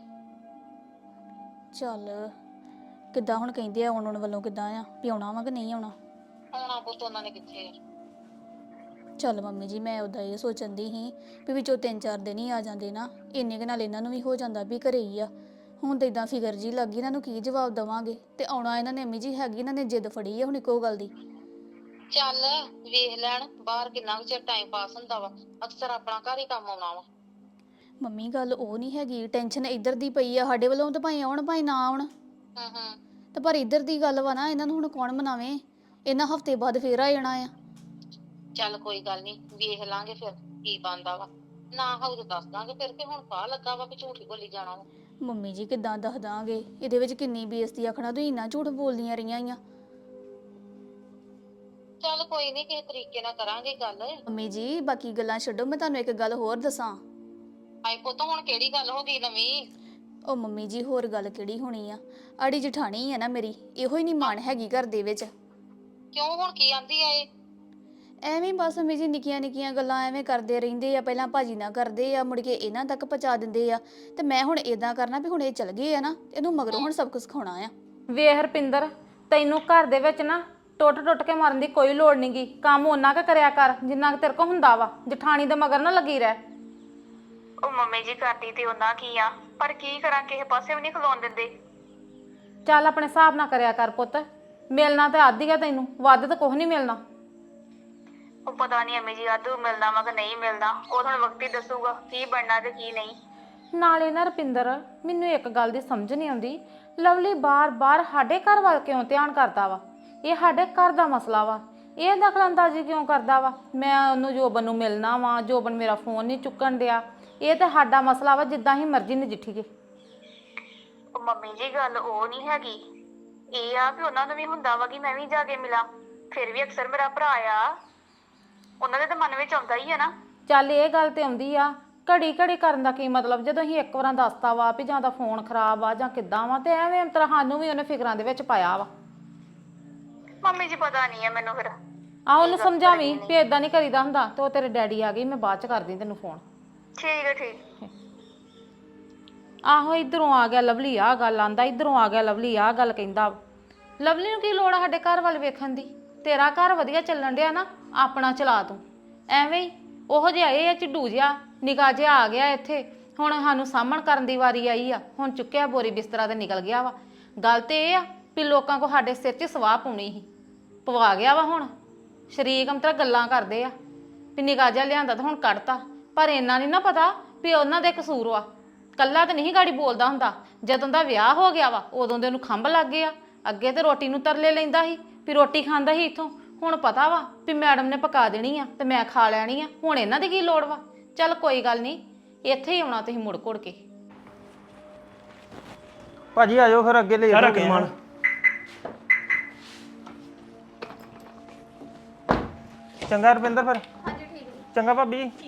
[SPEAKER 8] ਚੱਲ ਕਿੱਦਾਂ ਹੁਣ ਕਹਿੰਦੇ ਆ ਆਉਣ ਆਉਣ ਵੱਲੋਂ ਕਿੱਦਾਂ ਆ ਵੀ ਆਉਣਾ ਵਾ ਕਿ ਨਹੀਂ ਆਉਣਾ?
[SPEAKER 9] ਆਉਣਾ ਪੁੱਤ ਉਹਨਾਂ ਨੇ ਕਿੱਥੇ ਆ।
[SPEAKER 8] ਚੱਲ ਮੰਮੀ ਜੀ ਮੈਂ ਉਦਾਂ ਇਹ ਸੋਚਣ ਦੀ ਸੀ ਵੀ ਵਿੱਚੋਂ ਤਿੰਨ ਚਾਰ ਦਿਨ ਹੀ ਆ ਜਾਂਦੇ ਨਾ, ਇੰਨੇ ਕੁ ਨਾਲ ਇਹਨਾਂ ਨੂੰ ਵੀ ਹੋ ਜਾਂਦਾ ਵੀ ਘਰੇ ਹੀ ਆ। ਹੁਣ ਤਾਂ ਇਦਾਂ ਫਿਕਰ ਜੀ ਲੱਗੀ, ਇਹਨਾਂ ਨੂੰ ਕੀ ਜਵਾਬ ਦੇਵਾਂਗੇ? ਤੇ ਆਉਣਾ ਇਹਨਾਂ ਨੇ ਅੰਮੀ ਜੀ ਹੈਗੀ, ਇਹਨਾਂ ਨੇ ਜਿੱਦ ਫੜੀ ਆ ਹੁਣ ਇੱਕੋ ਗੱਲ ਦੀ।
[SPEAKER 9] ਚੱਲ ਵੇਖ ਲੈਣ ਬਾਹਰ ਕਿੰਨਾ ਕੁ ਚਿਰ ਟਾਈਮ ਪਾਸ ਹੁੰਦਾ ਵਾ, ਅਕਸਰ ਆਪਣਾ ਘਰ ਹੀ ਕੰਮ ਆਉਣਾ ਵਾ।
[SPEAKER 8] ਮੰਮੀ ਗੱਲ ਉਹ ਨਹੀਂ ਹੈਗੀ, ਟੈਨਸ਼ਨ ਇੱਧਰ ਦੀ ਪਈ ਆ ਸਾਡੇ ਵੱਲੋਂ, ਤਾਂ ਭਾਵੇਂ ਆਉਣ ਭਾਵੇਂ ਨਾ ਆਉਣ,
[SPEAKER 9] ਹੂੰ ਹੂੰ
[SPEAKER 8] ਤੇ ਪਰ ਇੱਧਰ ਦੀ ਗੱਲ ਵਾ ਨਾ, ਇਹਨਾਂ ਨੂੰ ਹੁਣ ਕੌਣ ਮਨਾਵੇ? ਇਹਨਾਂ ਹਫ਼ਤੇ ਬਾਅਦ ਫੇਰ ਆ ਜਾਣਾ ਆ।
[SPEAKER 9] ਚੱਲ ਕੋਈ ਗੱਲ ਨਹੀਂ, ਵੇਖ ਲਾਂਗੇ ਫਿਰ ਕੀ ਬਣਦਾ ਵਾ। ਨਾ ਹੋਊ ਤੇ ਦੱਸ ਦਾਂਗੇ ਫਿਰ ਕਿ ਹੁਣ ਪਾ ਲੱਗਾ ਵਾ ਕਿ ਝੂਠੀ ਬੋਲੀ ਜਾਣਾ ਵਾ।
[SPEAKER 8] ਮੰਮੀ ਜੀ ਕਿੱਦਾਂ ਦੱਸ ਦਾਂਗੇ? ਇਹਦੇ ਵਿੱਚ ਕਿੰਨੀ ਬੇਇੱਜ਼ਤੀ ਆਖਣਾ, ਤੁਸੀਂ ਇੰਨਾ ਝੂਠ ਬੋਲਦੀਆਂ ਰਹੀਆਂ ਆ।
[SPEAKER 9] ਚੱਲ ਕੋਈ ਨਹੀਂ, ਕਿਸੇ ਤਰੀਕੇ ਨਾਲ ਕਰਾਂਗੇ ਗੱਲ।
[SPEAKER 8] ਮੰਮੀ ਜੀ ਬਾਕੀ ਗੱਲਾਂ ਛੱਡੋ, ਮੈਂ ਤੁਹਾਨੂੰ ਇੱਕ ਗੱਲ ਹੋਰ ਦੱਸਾਂ।
[SPEAKER 9] ਆਏ ਪੁੱਤ ਹੁਣ ਕਿਹੜੀ ਗੱਲ ਹੋ ਗਈ ਨਵੀਂ?
[SPEAKER 8] ਉਹ ਮੰਮੀ ਜੀ ਹੋਰ ਗੱਲ ਕਿਹੜੀ ਹੋਣੀ ਆ, ਆੜੀ ਜਠਾਣੀ ਆ ਨਾ ਮੇਰੀ, ਇਹੋ ਹੀ ਨਹੀਂ ਮਾਣ ਹੈਗੀ ਘਰ ਦੇ ਵਿੱਚ।
[SPEAKER 9] ਕਿਉਂ ਹੁਣ ਕੀ ਆਂਦੀ ਆ ਇਹ?
[SPEAKER 8] ਐਵੇਂ ਬਸ ਮੰਮੀ ਜੀ ਨਿੱਕੀਆਂ ਨਿੱਕੀਆਂ ਗੱਲਾਂ ਐਵੇਂ ਕਰਦੇ ਰਹਿੰਦੇ ਆ, ਪਹਿਲਾਂ ਭਾਜੀ ਨਾਲ ਕਰਦੇ ਆ, ਮੁੜ ਕੇ ਇਹਨਾਂ ਤੱਕ ਪਹੁੰਚਾ ਦਿੰਦੇ ਆ। ਤੇ ਮੈਂ ਹੁਣ ਇਦਾਂ ਕਰਨਾ ਵੀ ਹੁਣ ਇਹ ਚਲ ਗਏ ਆ ਨਾ, ਇਹਨੂੰ ਮਗਰੋਂ ਹੁਣ ਸਭ ਕੁਝ ਸਿਖਾਉਣਾ ਆ।
[SPEAKER 2] ਵੇਖ ਰਪਿੰਦਰ, ਤੈਨੂੰ ਘਰ ਦੇ ਵਿੱਚ ਨਾ ਟੁੱਟ ਟੁੱਟ ਕੇ ਮਰਨ ਦੀ ਕੋਈ ਲੋੜ ਨਹੀਂਗੀ। ਕੰਮ ਉਹਨਾਂ ਕੁ ਕਰਿਆ ਕਰ ਜਿੰਨਾ ਕੁ ਤੇਰੇ ਕੋਲ ਹੁੰਦਾ ਵਾ, ਜਠਾਣੀ ਦੇ ਮਗਰ ਨਾ ਲੱਗੀ ਰਹਿ।
[SPEAKER 8] ਉਹ ਮੰਮੀ ਜੀ ਕਰਦੀ ਤੇ ਉਹਨਾਂ ਕੀ ਆ, ਪਰ ਕੀ ਕਰਾਂ, ਕਿਸੇ ਪਾਸੇ ਵੀ ਨਹੀਂ ਖਲੋਣ ਦਿੰਦੇ।
[SPEAKER 2] ਚੱਲ ਆਪਣੇ ਹਿਸਾਬ ਨਾਲ ਕਰਿਆ ਕਰ ਪੁੱਤ, ਮਿਲਣਾ ਤੇ ਆਦੀ ਆ ਤੈਨੂੰ, ਵੱਧ ਤਾਂ ਕੁਝ ਨਹੀਂ ਮਿਲਣਾ।
[SPEAKER 8] ਉਹ ਪਤਾ ਨਹੀਂ ਅੰਮੀ ਜੀ ਆਦੂ ਮਿਲਦਾ ਵਾ ਕਿ ਨਹੀਂ ਮਿਲਦਾ, ਉਹ ਤੁਹਾਨੂੰ ਵਕਤ ਹੀ ਦੱਸੂਗਾ ਕੀ ਬਣਨਾ ਤੇ ਕੀ ਨਹੀਂ।
[SPEAKER 2] ਨਾਲੇ ਨਾ ਰਪਿੰਦਰ, ਮੈਨੂੰ ਇੱਕ ਗੱਲ ਦੀ ਸਮਝ ਨਹੀਂ ਆਉਂਦੀ, ਲਵਲੀ ਬਾਰ-ਬਾਰ ਸਾਡੇ ਘਰ ਵੱਲ ਕਿਉਂ ਧਿਆਨ ਕਰਦਾ ਵਾ? ਇਹ ਸਾਡੇ ਘਰ ਦਾ ਮਸਲਾ ਵਾ, ਇਹ ਦਖਲਅੰਦਾਜ਼ੀ ਕਿਉਂ ਕਰਦਾ ਵਾ? ਮੈਂ ਉਹਨੂੰ ਜੋਬਨ ਨੂੰ ਮਿਲਣਾ ਵਾ, ਜੋਬਨ ਮੇਰਾ ਫੋਨ ਨਹੀਂ ਚੁੱਕਣ ਡਿਆ, ਇਹ ਤਾਂ ਸਾਡਾ ਮਸਲਾ ਵਾ, ਜਿੱਦਾਂ ਹੀ ਮਰਜ਼ੀ ਨਜਿੱਠੀਏ।
[SPEAKER 8] ਉਹ ਮੰਮੀ ਜੀ ਗੱਲ ਉਹ ਨਹੀਂ ਹੈਗੀ, ਇਹ ਆ ਵੀ ਉਹਨਾਂ ਨੂੰ ਵੀ ਹੁੰਦਾ ਵਾ ਕਿ ਮੈਂ ਵੀ ਜਾ ਕੇ ਮਿਲਾਂ, ਫਿਰ ਵੀ ਅਕਸਰ ਮੇਰਾ ਭਰਾ ਆ, ਉਹਨਾਂ ਦੇ ਤਾਂ ਮਨ ਵਿੱਚ ਆਉਂਦਾ ਹੀ ਹੈ ਨਾ।
[SPEAKER 2] ਚੱਲ ਇਹ ਗੱਲ ਤੇ ਆਉਂਦੀ ਆ, ਘੜੀ ਘੜੀ ਕਰਨ ਦਾ ਕੀ ਮਤਲਬ? ਜਦੋਂ ਅਸੀਂ ਇੱਕ ਵਾਰਾਂ ਦੱਸਤਾ ਵਾ ਵੀ ਜਾਂ ਤਾਂ ਫੋਨ ਖਰਾਬ ਆ ਜਾਂ ਕਿੱਦਾਂ ਵਾ, ਤੇ ਐਵੇਂ ਤਰ੍ਹਾਂ ਸਾਨੂੰ ਵੀ ਉਹਨੇ ਫਿਕਰਾਂ ਦੇ ਵਿੱਚ ਪਾਇਆ ਵਾ।
[SPEAKER 8] ਮੰਮੀ ਜੀ ਪਤਾ ਨਹੀਂ ਹੈ ਮੈਨੂੰ ਫਿਰ।
[SPEAKER 2] ਆ ਉਹਨੂੰ ਸਮਝਾਵੀਂ ਵੀ ਇਦਾਂ ਨਹੀਂ ਕਰੀਦਾ ਹੁੰਦਾ। ਤੇ ਉਹ ਤੇਰੇ ਡੈਡੀ ਆ ਗਈ, ਮੈਂ ਬਾਅਦ ਚ ਕਰਦੀ ਤੈਨੂੰ ਫੋਨ।
[SPEAKER 8] ਠੀਕ ਹੈ ਠੀਕ।
[SPEAKER 2] ਆਹੋ ਇਧਰੋਂ ਆ ਗਿਆ ਲਵਲੀ, ਆ ਗੱਲ ਆਂਦਾ, ਇਧਰੋਂ ਆ ਗਿਆ ਲਵਲੀ, ਆ ਗੱਲ ਕਹਿੰਦਾ। ਲਵਲੀ ਨੂੰ ਕੀ ਲੋੜ ਆ ਸਾਡੇ ਘਰ ਵੱਲ ਵੇਖਣ ਦੀ? ਤੇਰਾ ਘਰ ਵਧੀਆ ਚੱਲਣ ਡਿਆ ਨਾ, ਆਪਣਾ ਚਲਾ ਤੂੰ। ਐਵੇਂ ਹੀ ਉਹੋ ਜਿਹਾ ਇਹ ਆ ਝਿੱਡੂ ਜਿਹਾ ਨਿਕਾ ਜਿਹਾ ਆ ਗਿਆ ਇੱਥੇ, ਹੁਣ ਸਾਨੂੰ ਸਾਹਮਣ ਕਰਨ ਦੀ ਵਾਰੀ ਆਈ ਆ, ਹੁਣ ਚੁੱਕਿਆ ਬੋਰੀ ਬਿਸਤਰਾ ਤੇ ਨਿਕਲ ਗਿਆ ਵਾ। ਗੱਲ ਤੇ ਇਹ ਆ ਵੀ ਲੋਕਾਂ ਕੋ ਸਾਡੇ ਸਿਰ 'ਚ ਸਵਾਹ ਪਾਉਣੀ ਸੀ, ਪਵਾ ਗਿਆ ਵਾ। ਹੁਣ ਸ਼ਰੀਕ ਅੰਤਰਾ ਗੱਲਾਂ ਕਰਦੇ ਆ ਵੀ ਨਿਕਾ ਜਿਹਾ ਲਿਆਂਦਾ ਤਾਂ ਹੁਣ ਕੱਢਤਾ, ਪਰ ਇੰਨਾ ਨਹੀਂ ਨਾ ਪਤਾ ਵੀ ਉਹਨਾਂ ਦੇ ਕਸੂਰ ਵਾ। ਕੱਲਾ ਤਾਂ ਨਹੀਂ ਗਾੜੀ ਬੋਲਦਾ ਹੁੰਦਾ, ਜਦੋਂ ਦਾ ਵਿਆਹ ਹੋ ਗਿਆ ਵਾ ਉਦੋਂ ਦੇ ਉਹਨੂੰ ਖੰਭ ਲੱਗ ਗਏ ਆ। ਅੱਗੇ ਤੇ ਰੋਟੀ ਨੂੰ ਤਰਲੇ ਲੈਂਦਾ ਸੀ ਵੀ ਰੋਟੀ ਖਾਂਦਾ ਸੀ ਇੱਥੋਂ, ਹੁਣ ਪਤਾ ਵਾ ਵੀ ਮੈਡਮ ਨੇ ਪਕਾ ਦੇਣੀ ਆ ਤੇ ਮੈਂ ਖਾ ਲੈਣੀ ਆ, ਹੁਣ ਇਹਨਾਂ ਦੀ ਕੀ ਲੋੜ ਵਾ? ਚੱਲ ਕੋਈ ਗੱਲ ਨਹੀਂ, ਇੱਥੇ ਹੀ ਆਉਣਾ ਤੁਸੀਂ ਮੁੜ ਘੁੜ ਕੇ।
[SPEAKER 5] ਭਾਜੀ ਆਜੋ ਫਿਰ ਅੱਗੇ ਲੈ
[SPEAKER 6] ਸਾਰਾ
[SPEAKER 5] ਜਾਓ
[SPEAKER 6] ਸਮਾਨ।
[SPEAKER 5] ਚੰਗਾ ਰੁਪਿੰਦਰ ਫਿਰ। ਹਾਂਜੀ ਠੀਕ ਹੈ। ਚੰਗਾ ਭਾਬੀ ਜੀ।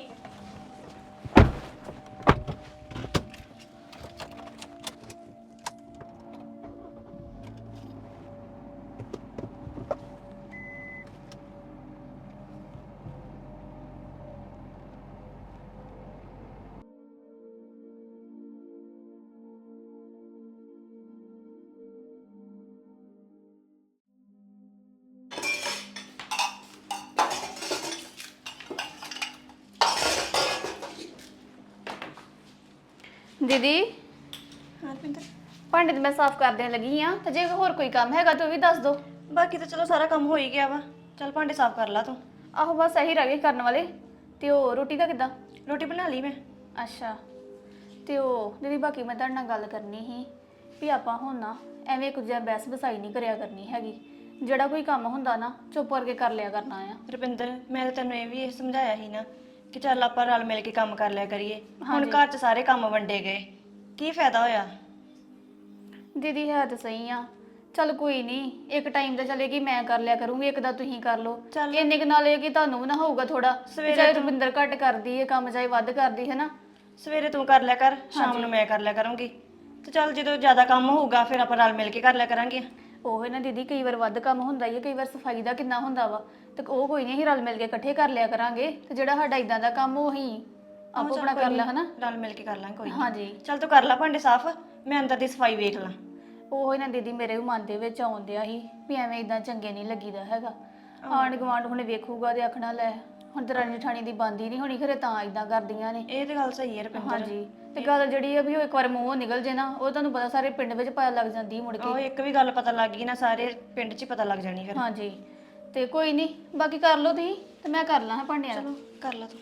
[SPEAKER 8] ਦੀਦੀ
[SPEAKER 7] ਹਾਂ ਪਿੰਦਰ,
[SPEAKER 8] ਭਾਂਡੇ ਤੇ ਮੈਂ ਸਾਫ਼ ਕਰ ਦੇਣ ਲੱਗੀ ਆ, ਤੇ ਜੇ ਹੋਰ ਕੋਈ ਕੰਮ ਹੈਗਾ ਤਾਂ ਉਹ ਵੀ ਦੱਸ ਦੋ।
[SPEAKER 7] ਬਾਕੀ ਤਾਂ ਚਲੋ ਸਾਰਾ ਕੰਮ ਹੋ ਹੀ ਗਿਆ ਵਾ। ਚੱਲ ਭਾਂਡੇ ਸਾਫ਼ ਕਰ ਲਾ ਤੂੰ।
[SPEAKER 8] ਆਹੋ ਬਸ ਇਹੀ ਰਹਿ ਗਏ ਕਰਨ ਵਾਲੇ। ਤੇ ਉਹ ਰੋਟੀ ਦਾ ਕਿੱਦਾਂ?
[SPEAKER 7] ਰੋਟੀ ਬਣਾ ਲਈ ਮੈਂ।
[SPEAKER 8] ਅੱਛਾ, ਤੇ ਉਹ ਦੀਦੀ ਬਾਕੀ ਮੈਂ ਤੁਹਾਡੇ ਨਾਲ ਗੱਲ ਕਰਨੀ ਸੀ ਵੀ ਆਪਾਂ ਹੁਣ ਨਾ ਐਵੇਂ ਕੁਝ ਬਹਿਸ ਬਸਾਈ ਨਹੀਂ ਕਰਿਆ ਕਰਨੀ ਹੈਗੀ। ਜਿਹੜਾ ਕੋਈ ਕੰਮ ਹੁੰਦਾ ਨਾ ਚੁੱਪ ਕਰਕੇ ਕਰ ਲਿਆ ਕਰਨਾ ਆ।
[SPEAKER 7] ਰੁਪਿੰਦਰ, ਮੈਂ ਤਾਂ ਤੈਨੂੰ ਇਹ ਵੀ ਇਹ ਸਮਝਾਇਆ ਸੀ ਨਾ ਕਿ ਚੱਲ ਆਪਾਂ ਰਲ ਮਿਲ ਕੇ ਕੰਮ ਕਰ ਲਿਆ ਕਰੀਏ। ਹੁਣ ਘਰ 'ਚ ਸਾਰੇ ਕੰਮ ਵੰਡੇ ਗਏ, ਕੀ ਫਾਇਦਾ ਹੋਇਆ?
[SPEAKER 8] ਦੀਦੀ ਹੈ ਤਾਂ ਸਹੀ ਆ, ਚੱਲ ਕੋਈ ਨਹੀਂ, ਇੱਕ ਟਾਈਮ ਤਾਂ ਚਲੇਗੀ ਮੈਂ ਕਰ ਲਿਆ ਕਰੂੰਗੀ, ਇੱਕ ਦਾ ਤੁਸੀਂ ਕਰ ਲਓ। ਇੰਨੇ ਕੁ ਨਾਲ ਇਹ ਕਿ ਤੁਹਾਨੂੰ ਵੀ ਨਾ ਹੋਊਗਾ ਥੋੜਾ, ਚਾਹੇ ਰੁਪਿੰਦਰ ਘੱਟ ਕਰਦੀ ਹੈ ਕੰਮ ਚਾਹੇ ਵੱਧ ਕਰਦੀ ਹੈ ਨਾ।
[SPEAKER 7] ਸਵੇਰੇ ਤੂੰ ਕਰ ਲਿਆ ਕਰ, ਸ਼ਾਮ ਨੂੰ ਮੈਂ ਕਰ ਲਿਆ ਕਰੂੰਗੀ। ਤੇ ਚੱਲ ਜਦੋਂ ਜ਼ਿਆਦਾ ਕੰਮ ਹੋਊਗਾ ਫਿਰ ਆਪਾਂ ਰਲ ਮਿਲ ਕੇ ਕਰ ਲਿਆ ਕਰਾਂਗੇ।
[SPEAKER 8] ਉਹ ਨਾ ਦੀਦੀ ਕਈ ਵਾਰ ਵੱਧ ਕੰਮ ਹੁੰਦਾ ਹੀ ਹੈ, ਕਈ ਵਾਰ ਸਫਾਈ ਦਾ ਕਿੰਨਾ ਹੁੰਦਾ ਵਾ ਤੇ ਉਹ ਕੋਈ ਨਹੀਂ ਅਸੀਂ ਰਲ ਮਿਲ ਕੇ ਇਕੱਠੇ ਕਰ ਲਿਆ ਕਰਾਂਗੇ ਤੇ ਜਿਹੜਾ ਸਾਡਾ ਇਦਾਂ ਦਾ ਕੰਮ ਉਹ ਅਸੀਂ ਆਪੋ ਆਪਣਾ ਕਰ ਲਿਆ ਹਨਾ।
[SPEAKER 7] ਰਲ ਮਿਲ ਕੇ ਕਰ ਲਾਂਗੇ ਕੋਈ ਨੀ।
[SPEAKER 8] ਹਾਂਜੀ
[SPEAKER 7] ਚੱਲ ਤੂੰ ਕਰ ਲੈ ਭਾਂਡੇ ਸਾਫ਼, ਮੈਂ ਅੰਦਰ ਦੀ ਸਫਾਈ ਵੇਖ ਲਾਂ।
[SPEAKER 8] ਉਹ ਹੀ ਨਾ ਦੀਦੀ ਮੇਰੇ ਵੀ ਮਨ ਦੇ ਵਿੱਚ ਆਉਂਦਿਆ ਸੀ ਵੀ ਐਵੇਂ ਇਦਾਂ ਚੰਗੇ ਨਹੀਂ ਲੱਗੀਦਾ ਹੈਗਾ। ਆਂਢ ਗੁਆਂਢ ਹੁਣ ਵੇਖੂਗਾ ਤੇ ਆਖਣਾ ਲੈ ਹੁਣ ਦਰਾਣੀ ਠਾਣੀ ਦੀ ਬੰਦੀ ਨਹੀਂ ਹੋਣੀ, ਖਰੇ ਤਾਂ ਇਦਾਂ ਕਰਦੀਆਂ ਨੇ।
[SPEAKER 7] ਇਹ ਤੇ ਗੱਲ ਸਹੀ ਹੈ ਰੁਪਿੰਦਰ।
[SPEAKER 8] ਹਾਂਜੀ ਤੇ ਗੱਲ ਜਿਹੜੀ ਆ ਵੀ ਉਹ ਇੱਕ ਵਾਰ ਮੂੰਹੋਂ ਨਿਕਲ ਜੇ ਨਾ ਉਹ ਤੁਹਾਨੂੰ ਪਤਾ ਸਾਰੇ ਪਿੰਡ ਵਿੱਚ ਪਤਾ ਲੱਗ ਜਾਂਦੀ ਮੁੜ
[SPEAKER 7] ਉਹ
[SPEAKER 8] ਕੇ।
[SPEAKER 7] ਇੱਕ ਵੀ ਗੱਲ ਪਤਾ ਲੱਗ ਗਈ ਨਾ ਸਾਰੇ ਪਿੰਡ 'ਚ ਹੀ ਪਤਾ ਲੱਗ ਜਾਣੀ ਫਿਰ।
[SPEAKER 8] ਹਾਂਜੀ ਤੇ ਕੋਈ ਨਹੀਂ ਬਾਕੀ ਕਰ ਲਓ ਤੁਸੀਂ ਤੇ ਮੈਂ ਕਰ ਲਾਂ ਭਾਂਡਿਆਂ ਦਾ।
[SPEAKER 7] ਚਲੋ ਕਰ ਲੈ ਤੂੰ।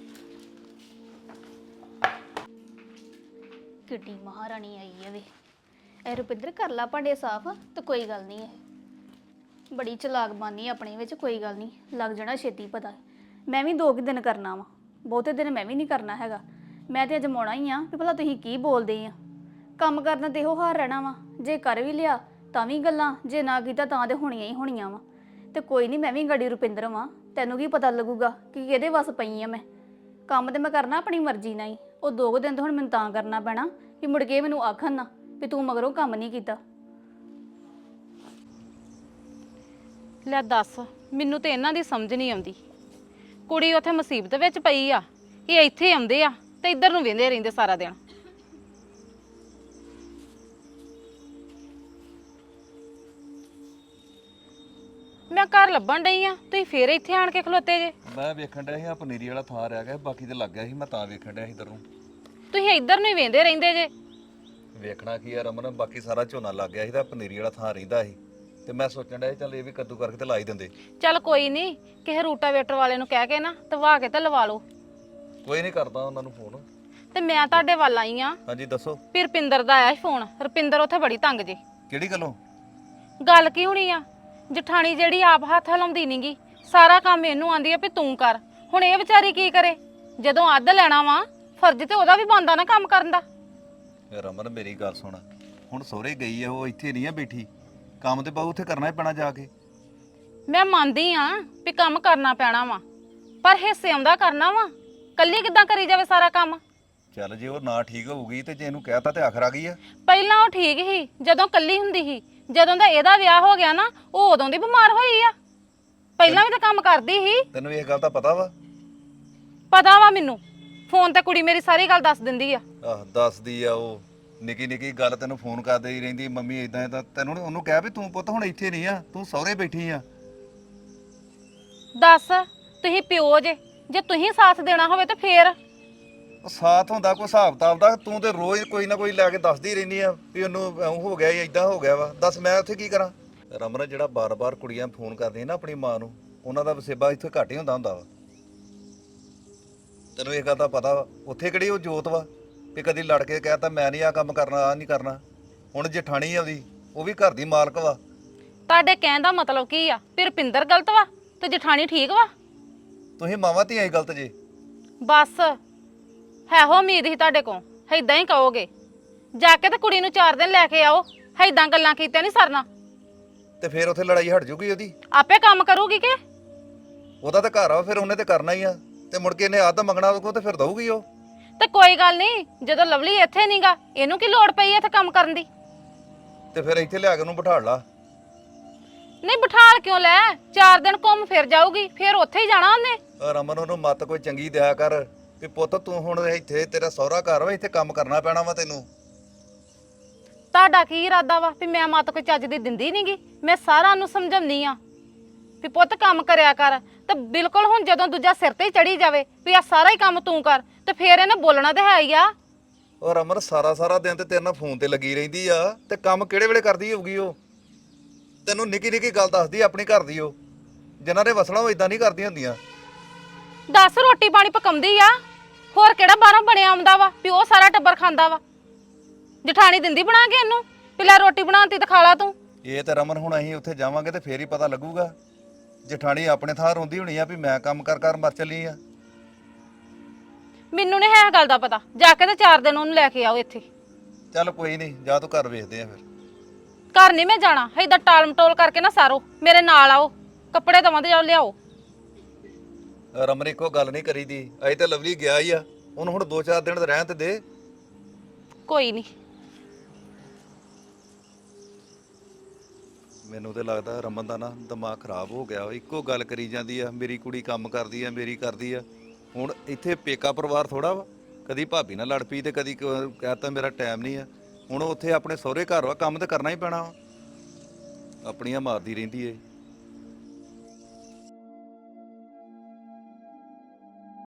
[SPEAKER 8] ਕਿੱਡੀ ਮਹਾਰਾਣੀ ਆਈ ਹੈ ਵੇ। ਇਹ ਰੁਪਿੰਦਰ ਕਰ ਲਾ ਭਾਂਡੇ ਸਾਫ਼ ਤੇ ਕੋਈ ਗੱਲ ਨਹੀਂ ਹੈ, ਬੜੀ ਚਲਾਕ ਬਾਨੀ ਆਪਣੇ ਵਿੱਚ, ਕੋਈ ਗੱਲ ਨਹੀਂ ਲੱਗ ਜਾਣਾ ਛੇਤੀ ਪਤਾ। ਮੈਂ ਵੀ ਦੋ ਕੁ ਦਿਨ ਕਰਨਾ ਵਾ, ਬਹੁਤੇ ਦਿਨ ਮੈਂ ਵੀ ਨਹੀਂ ਕਰਨਾ ਹੈਗਾ। ਮੈਂ ਤੇ ਅਜਮਾਉਣਾ ਹੀ ਆ ਵੀ ਭਲਾ ਤੁਸੀਂ ਕੀ ਬੋਲਦੇ ਆ। ਕੰਮ ਕਰਨਾ ਤੇ ਇਹੋ ਹਾਰ ਰਹਿਣਾ ਵਾ, ਜੇ ਕਰ ਵੀ ਲਿਆ ਤਾਂ ਵੀ ਗੱਲਾਂ, ਜੇ ਨਾ ਕੀਤਾ ਤਾਂ ਤੇ ਹੋਣੀਆਂ ਹੀ ਹੋਣੀਆਂ ਵਾ। ਤੇ ਕੋਈ ਨਹੀਂ ਮੈਂ ਵੀ ਗੜੀ ਰੁਪਿੰਦਰ ਵਾਂ, ਤੈਨੂੰ ਕੀ ਪਤਾ ਲੱਗੂਗਾ ਕਿ ਕਿਹਦੇ ਵੱਸ ਪਈ ਆ ਮੈਂ। ਕੰਮ ਤੇ ਮੈਂ ਕਰਨਾ ਆਪਣੀ ਮਰਜ਼ੀ ਨਾਲ ਹੀ। ਉਹ ਦੋ ਕੁ ਦਿਨ ਤਾਂ ਹੁਣ ਮੈਨੂੰ ਤਾਂ ਕਰਨਾ ਪੈਣਾ ਕਿ ਮੁੜ ਕੇ ਮੈਨੂੰ ਆਖਣ ਨਾ ਵੀ ਤੂੰ ਮਗਰੋਂ ਕੰਮ ਨਹੀਂ ਕੀਤਾ।
[SPEAKER 2] ਲੈ ਦੱਸ, ਮੈਨੂੰ ਤੇ ਇਹਨਾਂ ਦੀ ਸਮਝ ਨਹੀਂ ਆਉਂਦੀ। ਕੁੜੀ ਉੱਥੇ ਮੁਸੀਬਤ ਵਿੱਚ ਪਈ ਆ, ਇਹ ਇੱਥੇ ਆਉਂਦੇ ਆ ਤੇ ਇੱਧਰ ਨੂੰ ਵੇਂਦੇ ਰਹਿੰਦੇ ਸਾਰਾ ਦਿਨ। ਮੈਂ ਘਰ ਲੱਭਣ ਡਈ ਆ, ਤੁਸੀਂ ਫੇਰ ਇੱਥੇ ਆਣ ਕੇ ਖਲੋਤੇ ਜੇ।
[SPEAKER 1] ਮੈਂ ਵੇਖਣ ਡਿਆ ਸੀ ਆ ਪਨੀਰੀ ਵਾਲਾ ਥਾਂ ਰਹਿ ਗਿਆ, ਬਾਕੀ ਤੇ ਲੱਗ ਗਿਆ ਸੀ, ਮੈਂ ਤਾਂ ਵੇਖਣ ਡਿਆ ਸੀ ਇੱਧਰ ਨੂੰ।
[SPEAKER 2] ਤੁਸੀਂ ਇੱਧਰ ਨੂੰ ਹੀ ਵੇਂਦੇ ਰਹਿੰਦੇ ਜੇ।
[SPEAKER 1] ਵੇਖਣਾ ਕੀ ਆ ਰਮਨ, ਬਾਕੀ ਸਾਰਾ ਝੋਨਾ ਲੱਗ ਗਿਆ ਸੀ ਤਾਂ ਪਨੀਰੀ ਵਾਲਾ ਥਾਂ ਰਹਿੰਦਾ ਸੀ ਤੇ ਮੈਂ ਸੋਚਣ ਡਿਆ ਸੀ ਚੱਲ ਇਹ ਵੀ ਕੱਦੂ ਕਰਕੇ ਤੇ ਲਾ ਹੀ ਦਿੰਦੇ।
[SPEAKER 2] ਚੱਲ ਕੋਈ ਨਹੀਂ, ਕਿਸੇ ਰੂਟਾਵੇਟਰ ਵਾਲੇ ਨੂੰ ਕਹਿ ਕੇ ਨਾ ਤਵਾ ਕੇ ਤੇ ਲਵਾ ਲਓ।
[SPEAKER 1] ਕੋਈ ਨਹੀਂ, ਕਰਦਾ ਉਹਨਾਂ ਨੂੰ ਫੋਨ।
[SPEAKER 2] ਤੇ ਮੈਂ ਤੁਹਾਡੇ ਵੱਲ ਆਈ ਆ।
[SPEAKER 1] ਹਾਂਜੀ ਦੱਸੋ।
[SPEAKER 2] ਫਿਰ ਰੁਪਿੰਦਰ ਦਾ ਆਇਆ ਸੀ ਫੋਨ। ਰੁਪਿੰਦਰ ਉੱਥੇ ਬੜੀ ਤੰਗ ਜੇ।
[SPEAKER 1] ਕਿਹੜੀ ਗੱਲੋਂ?
[SPEAKER 2] ਗੱਲ ਕੀ ਹੋਣੀ ਆ, ਜਠਾਣੀ ਜਿਹੜੀ ਆਪ ਹੱਥ ਹਲਾਉਂਦੀ ਨਹੀਂਗੀ, ਸਾਰਾ ਕੰਮ ਇਹਨੂੰ ਆਂਦੀ ਆ ਵੀ ਤੂੰ ਕਰ। ਹੁਣ ਇਹ ਵਿਚਾਰੀ ਕੀ ਕਰੇ, ਜਦੋਂ ਅੱਧ ਲੈਣਾ ਵਾ ਫਰਜ਼ ਤੇ ਉਹਦਾ ਵੀ ਬਣਦਾ ਨਾ ਕੰਮ ਕਰਨ ਦਾ।
[SPEAKER 1] ਰਮਨ ਮੇਰੀ ਗੱਲ ਸੁਣ, ਹੁਣ ਸਹੁਰੇ ਗਈ ਆ, ਉਹ ਇੱਥੇ ਨਹੀਂ ਆ ਬੈਠੀ, ਕੰਮ ਤੇ ਬਾਹੂ ਉੱਥੇ ਕਰਨਾ ਹੀ ਪੈਣਾ ਜਾ ਕੇ।
[SPEAKER 2] ਮੈਂ ਮੰਨਦੀ ਆ ਵੀ ਕੰਮ ਕਰਨਾ ਪੈਣਾ ਵਾ, ਪਰ ਹਿੱਸੇ ਆਉਂਦਾ ਕਰਨਾ ਵਾ, ਕੱਲੀ ਕਿੱਦਾਂ ਕਰੀ ਜਾਵੇ ਸਾਰਾ ਕੰਮ।
[SPEAKER 1] ਚੱਲ ਜੇ ਉਹ ਨਾ ਠੀਕ ਹੋਊਗੀ ਤੇ ਜੇ ਇਹਨੂੰ ਕਹਿਤਾ ਤੇ ਆਖਰ ਆ ਗਈ ਆ।
[SPEAKER 2] ਪਹਿਲਾਂ ਉਹ ਠੀਕ ਸੀ ਜਦੋਂ ਕੱਲੀ ਹੁੰਦੀ ਸੀ, ਜਦੋਂ ਦਾ ਇਹਦਾ ਵਿਆਹ ਹੋ ਗਿਆ ਨਾ ਉਹ ਉਦੋਂ ਦੀ ਬਿਮਾਰ ਹੋਈ ਆ। ਪਹਿਲਾਂ ਵੀ ਤਾਂ ਕੰਮ ਕਰਦੀ ਸੀ।
[SPEAKER 1] ਤੈਨੂੰ ਇਹ ਗੱਲ ਤਾਂ ਪਤਾ ਵਾ?
[SPEAKER 2] ਪਤਾ ਵਾ ਮੈਨੂੰ, ਫੋਨ ਤੇ ਕੁੜੀ ਮੇਰੀ ਸਾਰੀ ਗੱਲ ਦੱਸ ਦਿੰਦੀ ਆ।
[SPEAKER 1] ਆਹ ਦੱਸਦੀ ਆ, ਉਹ ਨਿੱਕੀ ਨਿੱਕੀ ਗੱਲ ਤੈਨੂੰ ਫੋਨ ਕਰਦੀ ਹੀ ਰਹਿੰਦੀ, ਮੰਮੀ ਇਦਾਂ ਇਦਾਂ। ਤੈਨੂੰ ਉਹਨੂੰ ਕਹਿ ਵੀ ਤੂੰ ਪੁੱਤ ਹੁਣ ਇੱਥੇ ਨਹੀਂ ਆ, ਤੂੰ ਸਹੁਰੇ ਬੈਠੀ ਆ।
[SPEAKER 2] ਦੱਸ, ਤੁਸੀਂ ਪਿਓ ਜੇ, ਜੇ ਤੁਸੀਂ ਸਾਥ ਦੇਣਾ ਹੋਵੇ ਤੇ ਫੇਰ।
[SPEAKER 1] ਉਹ ਸਾਥ ਹੁੰਦਾ ਕੋਈ ਹਿਸਾਬ ਕਿਤਾਬ ਦਾ, ਤੂੰ ਤੇ ਰੋਜ਼ ਕੋਈ ਨਾ ਕੋਈ ਲੈ ਕੇ ਦੱਸਦੀ ਰਹਿੰਦੀ ਆ ਵੀ ਉਹਨੂੰ ਐਂ ਹੋ ਗਿਆ ਇਦਾਂ ਹੋ ਗਿਆ ਵਾ। ਦੱਸ ਮੈਂ ਉੱਥੇ ਕੀ ਕਰਾਂ? ਰਮਨ ਜਿਹੜਾ ਬਾਰ-ਬਾਰ ਕੁੜੀਆਂ ਫੋਨ ਕਰਦੀਆਂ ਨਾ ਆਪਣੀ ਮਾਂ ਨੂੰ, ਉਹਨਾਂ ਦਾ ਵਸੇਬਾ ਇੱਥੇ ਘੱਟ ਹੀ ਹੁੰਦਾ ਹੁੰਦਾ ਵਾ। ਤੈਨੂੰ ਇਹ ਗੱਲ ਤਾਂ ਪਤਾ ਵਾ, ਉੱਥੇ ਕਿਹੜੀ ਉਹ ਜੋਤ ਵਾ ਵੀ ਕਦੀ ਲੜ ਕੇ ਕਹਿਤਾ ਮੈਂ ਨਹੀਂ ਆ ਕੰਮ ਕਰਨਾ, ਆ ਨਹੀਂ ਕਰਨਾ। ਹੁਣ ਜਠਾਣੀ ਆ ਉਹਦੀ, ਉਹ ਵੀ ਘਰ ਦੀ ਮਾਲਕ ਵਾ।
[SPEAKER 2] ਤੁਹਾਡੇ ਕਹਿਣ ਦਾ ਮਤਲਬ ਕੀ ਆ? ਫਿਰ ਰੁਪਿੰਦਰ ਗਲਤ ਵਾ ਤੇ ਜਠਾਣੀ ਠੀਕ ਵਾ?
[SPEAKER 1] ਤੁਸੀਂ ਮਾਵਾਂ ਧੀਆਂ ਹੀ ਗਲਤ ਜੇ।
[SPEAKER 2] ਬਸ ਹੈ ਹੋ ਉਮੀਦ ਹੀ ਤੁਹਾਡੇ ਕੋਲ, ਏਦਾਂ ਹੀ ਕਹੋਗੇ। ਜਾ ਕੇ ਤੇ ਕੁੜੀ ਨੂੰ ਚਾਰ ਦਿਨ ਲੈ ਕੇ ਆਓ, ਏਦਾਂ ਗੱਲਾਂ ਕੀਤੀਆਂ ਨਹੀਂ ਸਰਨਾ।
[SPEAKER 1] ਤੇ ਫਿਰ ਉੱਥੇ ਲੜਾਈ ਹਟ ਜੂਗੀ ਉਹਦੀ?
[SPEAKER 2] ਆਪੇ ਕੰਮ ਕਰੂਗੀ ਕਿ?
[SPEAKER 1] ਉਹਦਾ ਤਾਂ ਘਰ ਆ, ਫਿਰ ਉਹਨੇ ਤੇ ਕਰਨਾ ਹੀ ਆ। ਤੇ ਮੁੜ ਕੇ ਇਹਨੇ ਆਦ ਮੰਗਣਾ ਉਹਦੇ ਕੋਲ ਤੇ ਫਿਰ ਦਊਗੀ ਉਹ।
[SPEAKER 2] ਤੇ ਕੋਈ ਗੱਲ ਨਹੀਂ, ਜਦੋਂ ਲਵਲੀ ਇੱਥੇ ਨਹੀਂਗਾ, ਇਹਨੂੰ ਕੀ ਲੋੜ ਪਈ ਇੱਥੇ ਕੰਮ ਕਰਨ ਦੀ?
[SPEAKER 1] ਤੇ ਫਿਰ ਇੱਥੇ ਲਿਆ ਕੇ ਉਹਨੂੰ ਬਿਠਾ ਲਾ।
[SPEAKER 2] ਨਹੀਂ ਬਿਠਾਲ ਕਿਉਂ ਲੈ, ਚਾਰ ਦਿਨ ਘੁੰਮ ਫਿਰ ਜਾਊਗੀ, ਫਿਰ ਉੱਥੇ ਹੀ ਜਾਣਾ ਉਹਨੇ।
[SPEAKER 1] ਰਮਨ ਉਹਨੂੰ ਮੱਤ ਕੋਈ ਚੰਗੀ ਦਿਆ ਕਰ ਵੀ ਪੁੱਤ ਤੂੰ ਹੁਣ ਇੱਥੇ ਤੇਰਾ ਸਹੁਰਾ ਘਰ ਵਾ, ਇੱਥੇ ਕੰਮ ਕਰਨਾ ਪੈਣਾ ਵਾ ਤੈਨੂੰ।
[SPEAKER 2] ਤੁਹਾਡਾ ਕੀ ਇਰਾਦਾ ਵਾ ਵੀ ਮੈਂ ਮੱਤ ਕੋਈ ਚੱਜ ਦੀ ਦਿੰਦੀ ਨਹੀਂਗੀ? ਮੈਂ ਸਾਰਾ ਉਹਨੂੰ ਸਮਝਾਉਂਦੀ ਆ ਵੀ ਪੁੱਤ ਕੰਮ ਕਰਿਆ ਕਰ। ਤੇ ਬਿਲਕੁਲ ਹੁਣ ਜਦੋਂ ਦੂਜਾ ਸਿਰ ਤੇ ਹੀ ਚੜੀ ਜਾਵੇ ਵੀ ਆ ਸਾਰਾ ਹੀ ਕੰਮ ਤੂੰ ਕਰ, ਤੇ ਫੇਰ ਇਹਨੇ ਬੋਲਣਾ ਤੇ ਹੈ ਹੀ ਆ।
[SPEAKER 1] ਉਹ ਰਮਨ ਸਾਰਾ ਸਾਰਾ ਦਿਨ ਤੇ ਤੇਰੇ ਨਾਲ ਫੋਨ ਤੇ ਲੱਗੀ ਰਹਿੰਦੀ ਆ, ਤੇ ਕੰਮ ਕਿਹੜੇ ਵੇਲੇ ਕਰਦੀ ਹੋਊਗੀ ਉਹ? ਤੈਨੂੰ ਨਿੱਕੀ ਨਿੱਕੀ ਗੱਲ ਦੱਸਦੀ ਆਪਣੀ ਘਰ ਦੀ, ਉਹ ਜਿਨ੍ਹਾਂ ਦੇ ਵਸਣਾ ਉਹ ਇਦਾਂ ਨਹੀਂ ਕਰਦੀਆਂ ਹੁੰਦੀਆਂ।
[SPEAKER 2] ਦਸ ਰੋਟੀ ਪਾਣੀ ਪਕਾਉਂਦੀ ਆ, ਹੋਰ ਕਿਹੜਾ ਬਾਹਰੋਂ ਬਣਿਆ ਆਉਂਦਾ ਵਾ ਵੀ ਉਹ ਸਾਰਾ ਟੱਬਰ ਖਾਂਦਾ ਵਾ? ਜਠਾਣੀ ਦਿੰਦੀ ਬਣਾ ਕੇ ਇਹਨੂੰ ਵੀ ਲੈ ਰੋਟੀ ਬਣਾਉਂਦੀ ਤੇ ਖਾ ਲਾ ਤੂੰ।
[SPEAKER 1] ਇਹ ਤੇ ਰਮਨ ਹੁਣ ਅਸੀਂ ਉੱਥੇ ਜਾਵਾਂਗੇ ਤੇ ਫੇਰ ਹੀ ਪਤਾ ਲੱਗੂਗਾ। ਜਠਾਣੀ ਆਪਣੇ ਥਾਂ ਰੋਂਦੀ ਹੋਣੀ ਆ ਵੀ ਮੈਂ ਕੰਮ ਕਰ ਕਰ ਮਰ ਚੱਲੀ ਆ।
[SPEAKER 2] ਮੈਨੂੰ ਨਹੀਂ ਹੈ ਗੱਲ ਦਾ ਪਤਾ, ਜਾ ਕੇ ਤੇ ਚਾਰ ਦਿਨ ਉਹਨੂੰ ਲੈ ਕੇ ਆਓ ਇੱਥੇ।
[SPEAKER 1] ਚੱਲ ਕੋਈ ਨਹੀਂ, ਜਾ ਤੂੰ ਘਰ ਵੇਖਦੇ ਆ ਫਿਰ।
[SPEAKER 2] ਘਰ ਨਹੀਂ ਮੈਂ ਜਾਣਾ, ਏਦਾਂ ਟਾਲ ਮਟੋਲ ਕਰਕੇ ਨਾ ਸਾਰੋ, ਮੇਰੇ ਨਾਲ ਆਓ, ਕੱਪੜੇ ਦਵਾਂ ਤੇ ਜਾਓ ਲਿਆਓ।
[SPEAKER 1] ਰਮਨ ਇੱਕੋ ਗੱਲ ਨਹੀਂ ਕਰੀਦੀ, ਅਜੇ ਤੇ ਲਵਲੀ ਗਿਆ ਹੀ ਆ, ਉਹਨੂੰ ਹੁਣ ਦੋ ਚਾਰ ਦਿਨ ਰਹਿਣ ਤੇ ਦੇ।
[SPEAKER 2] ਕੋਈ ਨਹੀਂ।
[SPEAKER 1] ਮੈਨੂੰ ਤੇ ਲੱਗਦਾ ਰਮਨ ਦਾ ਨਾ ਦਿਮਾਗ ਖਰਾਬ ਹੋ ਗਿਆ ਵਾ। ਇੱਕੋ ਗੱਲ ਕਰੀ ਜਾਂਦੀ ਆ, ਮੇਰੀ ਕੁੜੀ ਕੰਮ ਕਰਦੀ ਆ, ਮੇਰੀ ਕਰਦੀ ਆ। ਹੁਣ ਇੱਥੇ ਪੇਕਾ ਪਰਿਵਾਰ ਥੋੜਾ ਵਾ, ਕਦੀ ਭਾਬੀ ਨਾਲ ਲੜ ਪਈ ਤੇ ਕਦੀ ਕ- ਕਹਿਤਾ ਮੇਰਾ ਟਾਈਮ ਨਹੀਂ ਆ। ਹੁਣ ਉੱਥੇ ਆਪਣੇ ਸਹੁਰੇ ਘਰ ਵਾ, ਕੰਮ ਤਾਂ ਕਰਨਾ ਹੀ ਪੈਣਾ ਵਾ। ਆਪਣੀਆਂ ਮਾਰਦੀ ਰਹਿੰਦੀ ਏ।